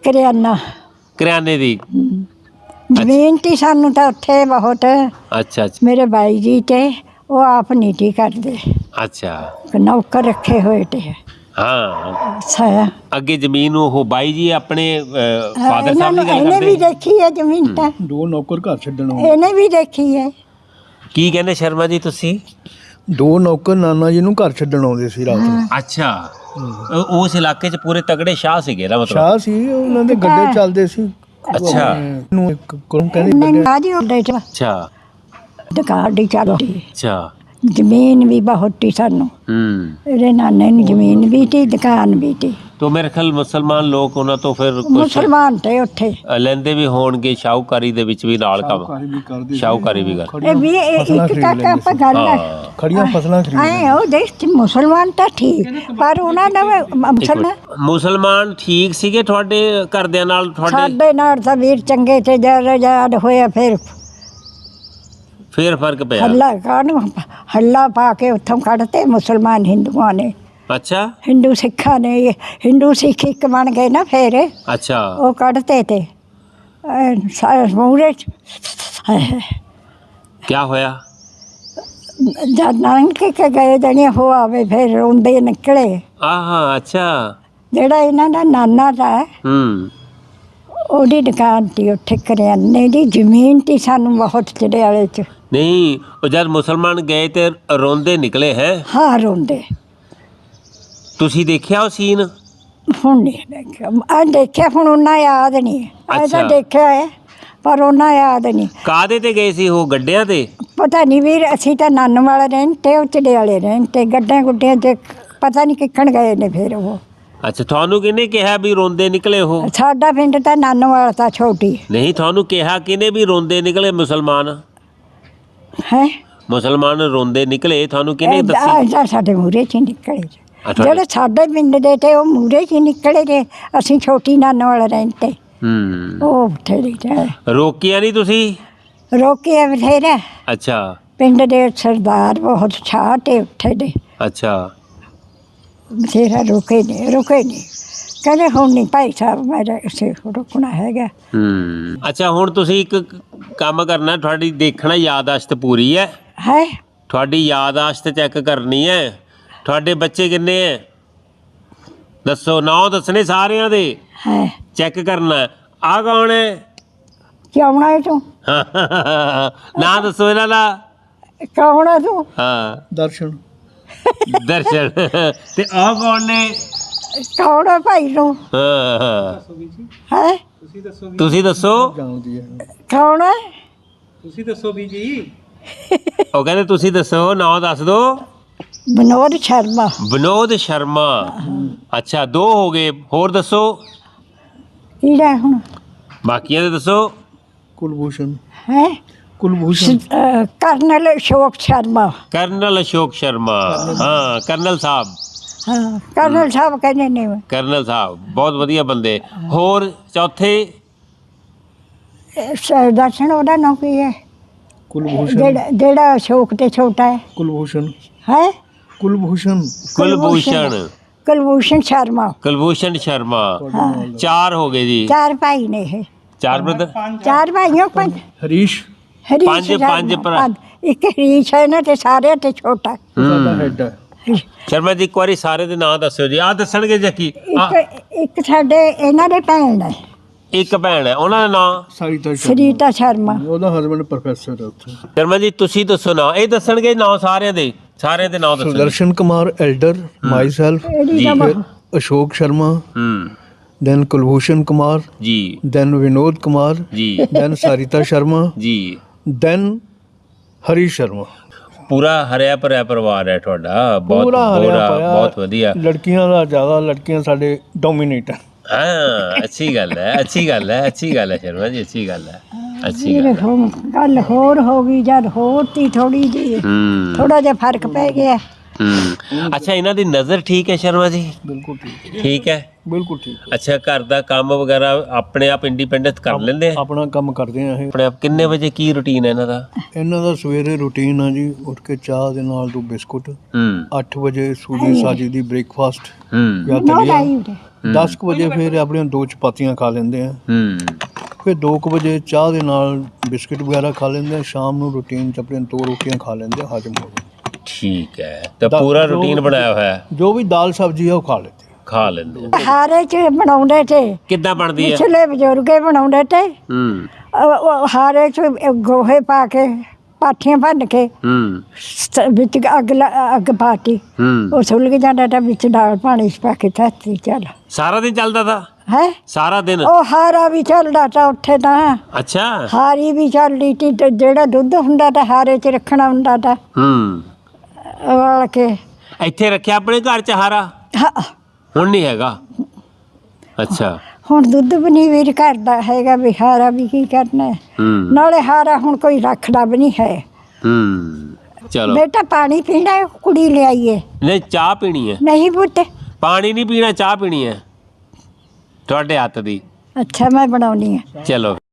[SPEAKER 1] ਕਰਿਆਨੇ ਦੀ।
[SPEAKER 2] ਜ਼ਮੀਨ ਤੀ ਸਾਨੂੰ ਤਾਂ ਉੱਥੇ ਬਹੁਤ।
[SPEAKER 1] ਅੱਛਾ ਅੱਛਾ।
[SPEAKER 2] ਮੇਰੇ ਬਾਈ ਜੀ ਤੇ ਉਹ ਆਪ ਨਹੀਂ ਤੀ ਕਰਦੇ।
[SPEAKER 1] ਅੱਛਾ।
[SPEAKER 2] ਨੌਕਰ ਰੱਖੇ ਹੋਏ ਤੇ।
[SPEAKER 1] ਹਾਂ।
[SPEAKER 2] ਸਾਇਆ
[SPEAKER 1] ਅੱਗੇ ਜ਼ਮੀਨ ਉਹ ਬਾਈ ਜੀ ਆਪਣੇ ਫਾਦਰ ਸਾਹਿਬ ਦੀ ਗੱਲ
[SPEAKER 2] ਇਹਨੇ ਵੀ
[SPEAKER 1] ਕਰਦੇ?
[SPEAKER 2] ਦੇਖੀ ਹੈ ਜ਼ਮੀਨ ਤਾਂ।
[SPEAKER 3] 2 ਨੌਕਰ ਘਰ ਛੱਡਣ ਆਉਂਦੇ।
[SPEAKER 2] ਇਹਨੇ ਵੀ ਦੇਖੀ ਹੈ।
[SPEAKER 1] ਕੀ ਕਹਿੰਦੇ ਸ਼ਰਮਾ ਜੀ ਤੁਸੀਂ?
[SPEAKER 3] 2 ਨੌਕਰ ਨਾਨਾ ਜੀ ਨੂੰ ਘਰ ਛੱਡਣ ਆਉਂਦੇ ਸੀ ਰਾਤ ਨੂੰ।
[SPEAKER 1] ਅੱਛਾ। ਉਸ ਇਲਾਕੇ 'ਚ ਪੂਰੇ ਤਗੜੇ ਸ਼ਾਹ ਸੀਗੇ ਨਾ, ਮਤਲਬ?
[SPEAKER 3] ਸ਼ਾਹ ਸੀ, ਉਹਨਾਂ ਦੇ ਗੱਡੇ ਚੱਲਦੇ ਸੀ।
[SPEAKER 1] ਅੱਛਾ।
[SPEAKER 3] ਨੂੰ ਇੱਕ ਕੋਲ ਕਹਿੰਦੇ
[SPEAKER 2] ਨਹੀਂ ਆਜੀ ਹੁੰਦੇ ਚ
[SPEAKER 1] ਅੱਛਾ।
[SPEAKER 2] ਦੁਕਾਨ ਦੀ ਚੱਲਦੀ।
[SPEAKER 1] ਅੱਛਾ।
[SPEAKER 2] ਜ਼ਮੀਨ ਵੀ ਬਹੁਤ ਤੀ ਸਾਨੂੰ। ਇਹਦੇ ਨਾਨੇ ਨੂੰ ਜ਼ਮੀਨ ਵੀ ਤੀ, ਦੁਕਾਨ ਵੀ ਤੀ।
[SPEAKER 1] ਤੋ ਮੇਰੇ ਖਿਆਲ ਮੁਸਲਮਾਨ ਲੋਕ ਉਹਨਾਂ ਤੋਂ ਫਿਰ ਕੁਛ
[SPEAKER 2] ਮੁਸਲਮਾਨ ਤੇ ਉੱਥੇ
[SPEAKER 1] ਲੈਂਦੇ ਵੀ ਹੋਣਗੇ, ਸ਼ਾਹੂਕਾਰੀ ਦੇ ਵਿੱਚ ਵੀ ਨਾਲ ਕੰਮ। ਸ਼ਾਹੂਕਾਰੀ ਵੀ ਕਰ।
[SPEAKER 2] ਇਹ ਵੀ ਇੱਕ ਤੱਕ ਆਪਾਂ ਗੱਲ ਹੈ।
[SPEAKER 3] ਖੜੀਆਂ ਫਸਲਾਂ ਖਰੀਦ
[SPEAKER 2] ਐ ਉਹ ਦੇਖ ਮੁਸਲਮਾਨ ਤਾਂ ਠੀਕ, ਪਰ ਉਹਨਾਂ ਦਾ
[SPEAKER 1] ਮੁਸਲਮਾਨ ਠੀਕ ਸੀਗੇ ਤੁਹਾਡੇ ਘਰਦਿਆਂ ਨਾਲ?
[SPEAKER 2] ਸਾਡੇ ਨਾਲ ਤਾਂ ਵੀਰ ਚੰਗੇ ਤੇ ਜਦ ਆਜ਼ਾਦ ਹੋਇਆ ਫਿਰ
[SPEAKER 1] ਫਰਕ ਪਿਆ।
[SPEAKER 2] ਹੱਲਾ ਪਾ ਕੇ ਉੱਥੋਂ ਕੱਢਤੇ ਮੁਸਲਮਾਨ ਹਿੰਦੂਆਂ ਨੇ।
[SPEAKER 1] ਅੱਛਾ।
[SPEAKER 2] ਹਿੰਦੂ ਸਿੱਖਾਂ ਨੇ, ਹਿੰਦੂ ਸਿੱਖ ਇੱਕ ਬਣ ਗਏ ਨਾ ਫਿਰ।
[SPEAKER 1] ਅੱਛਾ।
[SPEAKER 2] ਉਹ ਕੱਢਤੇ ਤੇ ਮੂਹਰੇ
[SPEAKER 1] ਕਿਆ ਹੋਇਆ?
[SPEAKER 2] ਜਦ ਨਾਨਕ ਕੇ ਗਏ ਜਣੇ ਹੋ ਆਵੇ ਫਿਰ ਰੋਂਦੇ ਨਿਕਲੇ।
[SPEAKER 1] ਆਹਾ। ਅੱਛਾ।
[SPEAKER 2] ਜਿਹੜਾ ਇਹਨਾਂ ਦਾ ਨਾਨਾ ਦਾ ਉਹਦੀ ਦੁਕਾਨ ਤੀ ਉੱਥੇ ਕਰਿਆਨੇ ਦੀ ਜ਼ਮੀਨ ਤੀ ਸਾਨੂੰ ਬਹੁਤ ਚੜਿਆਲੇ 'ਚ।
[SPEAKER 1] ਨਹੀਂ, ਉਹ ਜਦ ਮੁਸਲਮਾਨ ਗਏ ਤੇ ਰੋਂਦੇ ਨਿਕਲੇ ਹੈ?
[SPEAKER 2] ਹਾਂ, ਰੋਂਦੇ।
[SPEAKER 1] ਤੁਸੀਂ ਦੇਖਿਆ ਉਹ ਸੀਨ?
[SPEAKER 2] ਹੁਣ ਨਹੀਂ ਦੇਖਿਆ। ਆ ਦੇਖਿਆ, ਹੁਣ ਉਹਨਾਂ ਯਾਦ ਨਹੀਂ। ਅੱਜ ਤਾਂ ਦੇਖਿਆ ਹੈ ਪਰ ਉਹਨਾਂ ਯਾਦ ਨਹੀਂ।
[SPEAKER 1] ਕਾਹਦੇ ਤੇ ਗਏ ਸੀ ਉਹ? ਗੱਡਿਆਂ ਤੇ?
[SPEAKER 2] ਪਤਾ ਨਹੀਂ ਵੀਰ, ਅਸੀਂ ਤਾਂ ਨਾਨ ਵਾਲੇ ਰਹਿਣ ਤੇ ਉਹ ਚੜਿਆਲੇ ਰਹਿਣ ਤੇ ਗੱਡਿਆਂ ਗੁੱਡਿਆਂ 'ਚ ਪਤਾ ਨਹੀਂ ਕਿੱਕਣ ਗਏ ਨੇ ਫਿਰ ਉਹ।
[SPEAKER 1] ਅੱਛਾ। ਤੁਹਾਨੂੰ ਕਿਹਨੇ ਕਿਹਾ ਵੀ ਰੋਂਦੇ ਨਿਕਲੇ ਉਹ?
[SPEAKER 2] ਸਾਡਾ ਪਿੰਡ ਤਾਂ ਨਾਨ ਵਾਲਾ ਤਾਂ ਛੋਟੀ।
[SPEAKER 1] ਨਹੀਂ, ਤੁਹਾਨੂੰ ਕਿਹਾ ਕਿਹਨੇ ਵੀ ਰੋਂਦੇ ਨਿਕਲੇ ਮੁਸਲਮਾਨ?
[SPEAKER 2] ਹੈ
[SPEAKER 1] ਮੁਸਲਮਾਨ ਰੋਂਦੇ ਨਿਕਲੇ, ਤੁਹਾਨੂੰ ਕਿਹਨੇ ਦੱਸਿਆ?
[SPEAKER 2] ਸਾਡੇ ਮੂਹਰੇ 'ਚ ਹੀ ਨਿਕਲੇ। ਜਿਹੜੇ ਸਾਡੇ ਪਿੰਡ ਦੇ ਤੇ ਉਹ ਮੂਹਰੇ 'ਚ ਹੀ ਨਿਕਲੇ ਜੇ। ਅਸੀਂ ਛੋਟੀ ਨਾਨ ਵਾਲਾ ਰਹਿਣ ਤੇ ਉਹ ਬਥੇਰੇ
[SPEAKER 1] ਰੋਕਿਆ ਨਹੀਂ ਤੁਸੀਂ?
[SPEAKER 2] ਰੋਕਿਆ ਬਥੇਰਾ।
[SPEAKER 1] ਅੱਛਾ।
[SPEAKER 2] ਪਿੰਡ ਦੇ ਸਰਦਾਰ ਬਹੁਤ ਛਾਹ ਤੇ ਉੱਥੇ ਦੇ।
[SPEAKER 1] ਅੱਛਾ।
[SPEAKER 2] ਬਥੇਰਾ ਰੁਕੇ ਨਹੀਂ ਕਹਿੰਦੇ ਹੁਣ ਨਹੀਂ ਭਾਈ ਸਾਹਿਬ ਮੇਰਾ ਇਸੇ ਰੁਕਣਾ ਹੈਗਾ।
[SPEAKER 1] ਅੱਛਾ, ਹੁਣ ਤੁਸੀਂ ਇੱਕ ਕੰਮ ਕਰਨਾ, ਤੁਹਾਡੀ ਦੇਖਣਾ ਯਾਦਾਸ਼ਤ ਪੂਰੀ ਹੈ। ਤੁਹਾਡੀ ਯਾਦਾਸ਼ਤ ਚੈੱਕ ਕਰਨੀ ਹੈ। ਤੁਹਾਡੇ ਬੱਚੇ ਕਿੰਨੇ ਹੈ ਦੱਸੋ? 9 ਦੱਸਣੇ ਸਾਰਿਆਂ ਦੇ। ਚੈੱਕ ਕਰਨਾ। ਆਹ ਕੌਣ ਹੈ?
[SPEAKER 2] ਕਿਉਂ ਹੈ ਤੂੰ?
[SPEAKER 1] ਨਾਂ ਦੱਸੋ ਇਹਨਾਂ ਦਾ।
[SPEAKER 2] ਕੌਣ ਹੈ ਤੂੰ?
[SPEAKER 1] ਹਾਂ,
[SPEAKER 3] ਦਰਸ਼ਨ।
[SPEAKER 1] ਤੇ ਆਹ ਕੌਣ ਨੇ?
[SPEAKER 2] ਕੌਣ ਹੈ ਭਾਈ ਤੂੰ? ਹੈ
[SPEAKER 1] ਤੁਸੀਂ ਦੱਸੋ।
[SPEAKER 2] ਕੌਣ ਹੈ?
[SPEAKER 3] ਤੁਸੀਂ ਦੱਸੋ ਵੀ ਜੀ।
[SPEAKER 1] ਉਹ ਕਹਿੰਦੇ ਤੁਸੀਂ ਦੱਸੋ, ਨਾਂ ਦੱਸ ਦਿਓ।
[SPEAKER 2] ਵਿਨੋਦ ਸ਼ਰਮਾ।
[SPEAKER 1] ਵਿਨੋਦ ਸ਼ਰਮਾ। ਅੱਛਾ, 2 ਹੋ ਗਏ। ਹੋਰ ਦੱਸੋ।
[SPEAKER 2] ਕਿਹੜਾ ਹੁਣ
[SPEAKER 1] ਬਾਕੀਆਂ ਦੇ ਦੱਸੋ।
[SPEAKER 3] ਕੁਲਭੂਸ਼ਣ
[SPEAKER 2] ਹੈ
[SPEAKER 3] ਕੁਲਭੂਸ਼ਣ
[SPEAKER 2] ਕਰਨਲ ਅਸ਼ੋਕ ਸ਼ਰਮਾ।
[SPEAKER 1] ਕਰਨਲ ਅਸ਼ੋਕ ਸ਼ਰਮਾ, ਹਾਂ ਕਰਨਲ ਸਾਹਿਬ,
[SPEAKER 2] ਹਾਂ ਕਰਨਲ ਸਾਹਿਬ ਕਹਿੰਦੇ ਨੇ।
[SPEAKER 1] ਕਰਨਲ ਸਾਹਿਬ ਬਹੁਤ ਵਧੀਆ ਬੰਦੇ। ਹੋਰ ਚੌਥੇ
[SPEAKER 2] ਦਰਸ਼ਨ ਉਹਦਾ ਨਾਂ ਕੀ ਹੈ?
[SPEAKER 3] ਕੁਲਭੂਸ਼ਣ
[SPEAKER 2] ਜਿਹੜਾ ਅਸ਼ੋਕ ਤੇ ਛੋਟਾ ਹੈ।
[SPEAKER 3] ਕੁਲਭੂਸ਼ਣ
[SPEAKER 2] ਹੈ
[SPEAKER 3] ਕੁਲਭੂਸ਼ਣ
[SPEAKER 1] ਕੁਲਭੂਸ਼ਣ,
[SPEAKER 2] ਕੁਲਭੂਸ਼ਣ ਸ਼ਰਮਾ।
[SPEAKER 1] ਕੁਲਭੂਸ਼ਣ ਸ਼ਰਮਾ। 4 ਹੋ ਗਏ ਜੀ।
[SPEAKER 2] 4 ਭਾਈ ਨੇ ਇਹ।
[SPEAKER 1] 4 ਬ੍ਰਦਰ,
[SPEAKER 2] 4 ਭਾਈਓ 5
[SPEAKER 3] ਹਰੀਸ਼
[SPEAKER 2] ਹਰੀਸ਼
[SPEAKER 1] ਪੰਜ
[SPEAKER 2] ਸ਼ਰਮਾ,
[SPEAKER 1] ਭਰਾ।
[SPEAKER 2] ਪੰਜ। ਇੱਕ ਹਰੀਸ਼ ਹੈ ਨਾ ਤੇ ਸਾਰਿਆਂ ਤੇ ਛੋਟਾ।
[SPEAKER 3] ਸਾਡਾ ਹੈਡ ਹੈ।
[SPEAKER 1] ਸ਼ਰਮਾ ਜੀ ਇੱਕ ਵਾਰੀ ਸਾਰੇ ਦੇ ਨਾਂ ਦੱਸਿਓ ਜੀ। ਆਹ ਦੱਸਣਗੇ ਜੱਕੀ।
[SPEAKER 2] ਇੱਕ ਸਾਡੇ ਇਹਨਾਂ ਦੇ ਭੈਣ ਹੈ,
[SPEAKER 1] ਇੱਕ ਭੈਣ ਹੈ, ਉਹਨਾਂ ਦਾ ਨਾਂ
[SPEAKER 3] ਸਾਰਿਤਾ ਸ਼ਰਮਾ,
[SPEAKER 2] ਸਰੀਤਾ ਸ਼ਰਮਾ।
[SPEAKER 3] ਉਹਦਾ ਹਸਬੰਡ ਪ੍ਰੋਫੈਸਰ ਹੈ ਉੱਥੇ।
[SPEAKER 1] ਸ਼ਰਮਾ ਜੀ ਤੁਸੀਂ ਦੱਸੋ ਨਾਂ। ਇਹ ਦੱਸਣਗੇ ਨਾਂ ਸਾਰਿਆਂ ਦੇ ਨਾਂ ਦੱਸੋ।
[SPEAKER 3] Sudarshan Kumar elder, myself,
[SPEAKER 2] ਇਹਦੀ ਤਾਂ
[SPEAKER 3] ਫਿਰ ਅਸ਼ੋਕ ਸ਼ਰਮਾ,
[SPEAKER 1] ਹੂੰ
[SPEAKER 3] then ਕੁਲਭੂਸ਼ਣ ਕੁਮਾਰ,
[SPEAKER 1] ਜੀ
[SPEAKER 3] then ਵਿਨੋਦ ਕੁਮਾਰ,
[SPEAKER 1] ਜੀ
[SPEAKER 3] then ਸਾਰਿਤਾ ਸ਼ਰਮਾ,
[SPEAKER 1] ਜੀ।
[SPEAKER 3] then ਹਰੀਸ਼ ਸ਼ਰਮਾ।
[SPEAKER 1] ਪੂਰਾ ਹਰਿਆ ਭਰਿਆ ਪਰਿਵਾਰ ਹੈ ਤੁਹਾਡਾ। ਬਹੁਤ
[SPEAKER 3] ਪੂਰਾ ਹਰਿਆ ਭਰਿਆ,
[SPEAKER 1] ਬਹੁਤ ਵਧੀਆ।
[SPEAKER 3] ਲੜਕੀਆਂ ਦਾ ਜ਼ਿਆਦਾ, ਲੜਕੀਆਂ ਸਾਡੇ ਡੋਮੀਨੇਟ ਹੈ।
[SPEAKER 1] ਹਾਂ ਅੱਛੀ ਗੱਲ ਹੈ, ਅੱਛੀ ਗੱਲ ਹੈ, ਅੱਛੀ ਗੱਲ ਹੈ ਸ਼ਰਮਾ ਜੀ, ਅੱਛੀ ਗੱਲ ਹੈ, ਅੱਛੀ ਗੱਲ ਹੈ।
[SPEAKER 2] ਗੱਲ ਹੋਰ ਹੋ ਗਈ ਜਦ ਹੋਰ ਤੀ ਥੋੜੀ ਜੀ, ਥੋੜਾ ਜਿਹਾ ਫਰਕ ਪੈ ਗਿਆ।
[SPEAKER 1] ਅੱਛਾ ਇਹਨਾਂ ਦੀ ਨਜ਼ਰ ਠੀਕ ਹੈ ਸ਼ਰਮਾ ਜੀ?
[SPEAKER 3] ਬਿਲਕੁਲ ਠੀਕ,
[SPEAKER 1] ਠੀਕ ਹੈ,
[SPEAKER 3] ਬਿਲਕੁਲ ਠੀਕ।
[SPEAKER 1] ਅੱਛਾ ਘਰ ਦਾ ਕੰਮ ਵਗੈਰਾ ਆਪਣੇ ਆਪ ਇੰਡੀਪੈਂਡੈਂਟ ਕਰ ਲੈਂਦੇ ਆ?
[SPEAKER 3] ਆਪਣਾ ਕੰਮ ਕਰਦੇ ਆ ਇਹ।
[SPEAKER 1] ਆਪਣੇ ਆਪ। ਕਿੰਨੇ ਵਜੇ ਕੀ ਰੁਟੀਨ ਹੈ ਇਹਨਾਂ ਦਾ?
[SPEAKER 3] ਇਹਨਾਂ ਦਾ ਸਵੇਰੇ ਰੂਟੀਨ ਆ ਜੀ, ਉੱਠ ਕੇ ਚਾਹ ਦੇ ਨਾਲ 2 ਬਿਸਕੁਟ, 8 ਵਜੇ ਸੂਜੀ ਸਾਜੀ ਦੀ ਬ੍ਰੇਕਫਾਸਟ ਜਾਂ
[SPEAKER 2] ਨੋ
[SPEAKER 3] ਦਲੀਆ,
[SPEAKER 2] ਲਾਈ
[SPEAKER 3] 10 ਕੁ ਵਜੇ ਫਿਰ ਆਪਣੀਆਂ 2 ਚਪਾਤੀਆਂ ਖਾ ਲੈਂਦੇ ਆ, ਫਿਰ 2 ਕੁ ਵਜੇ ਚਾਹ ਦੇ ਨਾਲ ਬਿਸਕਿਟ ਵਗੈਰਾ ਖਾ ਲੈਂਦੇ ਆ। ਸ਼ਾਮ ਨੂੰ ਰੂਟੀਨ ਚ ਆਪਣੀਆਂ 2 ਰੋਟੀਆਂ ਖਾ ਲੈਂਦੇ ਆ, ਹਜਮ ਹੋ ਜਾਂਦਾ।
[SPEAKER 1] ਠੀਕ ਹੈ, ਤਾਂ ਪੂਰਾ ਰੂਟੀਨ ਬਣਾਇਆ ਹੋਇਆ ਹੈ।
[SPEAKER 3] ਜੋ ਵੀ ਦਾਲ ਸਬਜ਼ੀ ਆ ਉਹ ਖਾ ਲੈਂਦੇ।
[SPEAKER 2] ਹਾਰੇ ਚ ਬਣਾਉਂਦੇ ਤੇ
[SPEAKER 1] ਕਿੱਦਾਂ ਬਣਦੀ ਹੈ?
[SPEAKER 2] ਪਿਛਲੇ ਬਜ਼ੁਰਗੇ ਬਣਾਉਂਦੇ ਤੇ ਉਹ ਹਾਰੇ ਚ ਗੋਹੇ ਪਾ ਕੇ, ਪਾਥੀਆਂ ਭੰਨ ਕੇ, ਵਿੱਚ ਅੱਗ ਪਾਤੀ, ਉਹ ਸੁਲਗ ਜਾਂਦਾ ਤਾਂ ਵਿੱਚ ਦਾਲ ਪਾਣੀ ਚ ਪਾ ਕੇ ਧਰਤੀ। ਚੱਲ
[SPEAKER 1] ਸਾਰਾ ਦਿਨ ਚੱਲਦਾ ਤਾ?
[SPEAKER 2] ਹੈ
[SPEAKER 1] ਸਾਰਾ ਦਿਨ?
[SPEAKER 2] ਉਹ ਹਾਰਾ ਵੀ ਚੱਲਦਾ ਤਾਂ ਉੱਥੇ ਤਾਂ।
[SPEAKER 1] ਅੱਛਾ।
[SPEAKER 2] ਹਾਰੀ ਵੀ ਚੱਲਦੀ ਤੀ ਤੇ ਜਿਹੜਾ ਦੁੱਧ ਹੁੰਦਾ ਤਾਂ ਹਾਰੇ ਚ ਰੱਖਣਾ ਹੁੰਦਾ ਤਾਂ ਵਾਲ ਕੇ।
[SPEAKER 1] ਇੱਥੇ ਰੱਖਿਆ ਆਪਣੇ ਘਰ ਚ ਹਾਰਾ?
[SPEAKER 2] ਹਾਂ,
[SPEAKER 1] ਹੁਣ ਨਹੀਂ ਹੈਗਾ? ਅੱਛਾ।
[SPEAKER 2] ਹੁਣ ਦੁੱਧ ਵੀ ਨਹੀਂ ਵੀਰ ਕਰਦਾ ਹੈਗਾ, ਵੀ ਹਾਰਾ ਵੀ ਕੀ ਕਰਨਾ ਹੈ। ਨਾਲੇ ਹਾਰਾ ਹੁਣ ਕੋਈ ਰੱਖਦਾ ਵੀ ਨਹੀਂ ਹੈ।
[SPEAKER 1] ਚਲੋ
[SPEAKER 2] ਬੇਟਾ ਪਾਣੀ ਪੀਣਾ ਹੈ? ਕੁੜੀ ਲਿਆਈਏ?
[SPEAKER 1] ਨਹੀਂ ਚਾਹ ਪੀਣੀ ਹੈ।
[SPEAKER 2] ਨਹੀਂ ਪੁੱਤ,
[SPEAKER 1] ਪਾਣੀ ਨਹੀਂ ਪੀਣਾ, ਚਾਹ ਪੀਣੀ ਹੈ ਤੁਹਾਡੇ ਹੱਥ ਦੀ।
[SPEAKER 2] ਅੱਛਾ ਮੈਂ ਬਣਾਉਣੀ ਹੈ।
[SPEAKER 1] ਚਲੋ।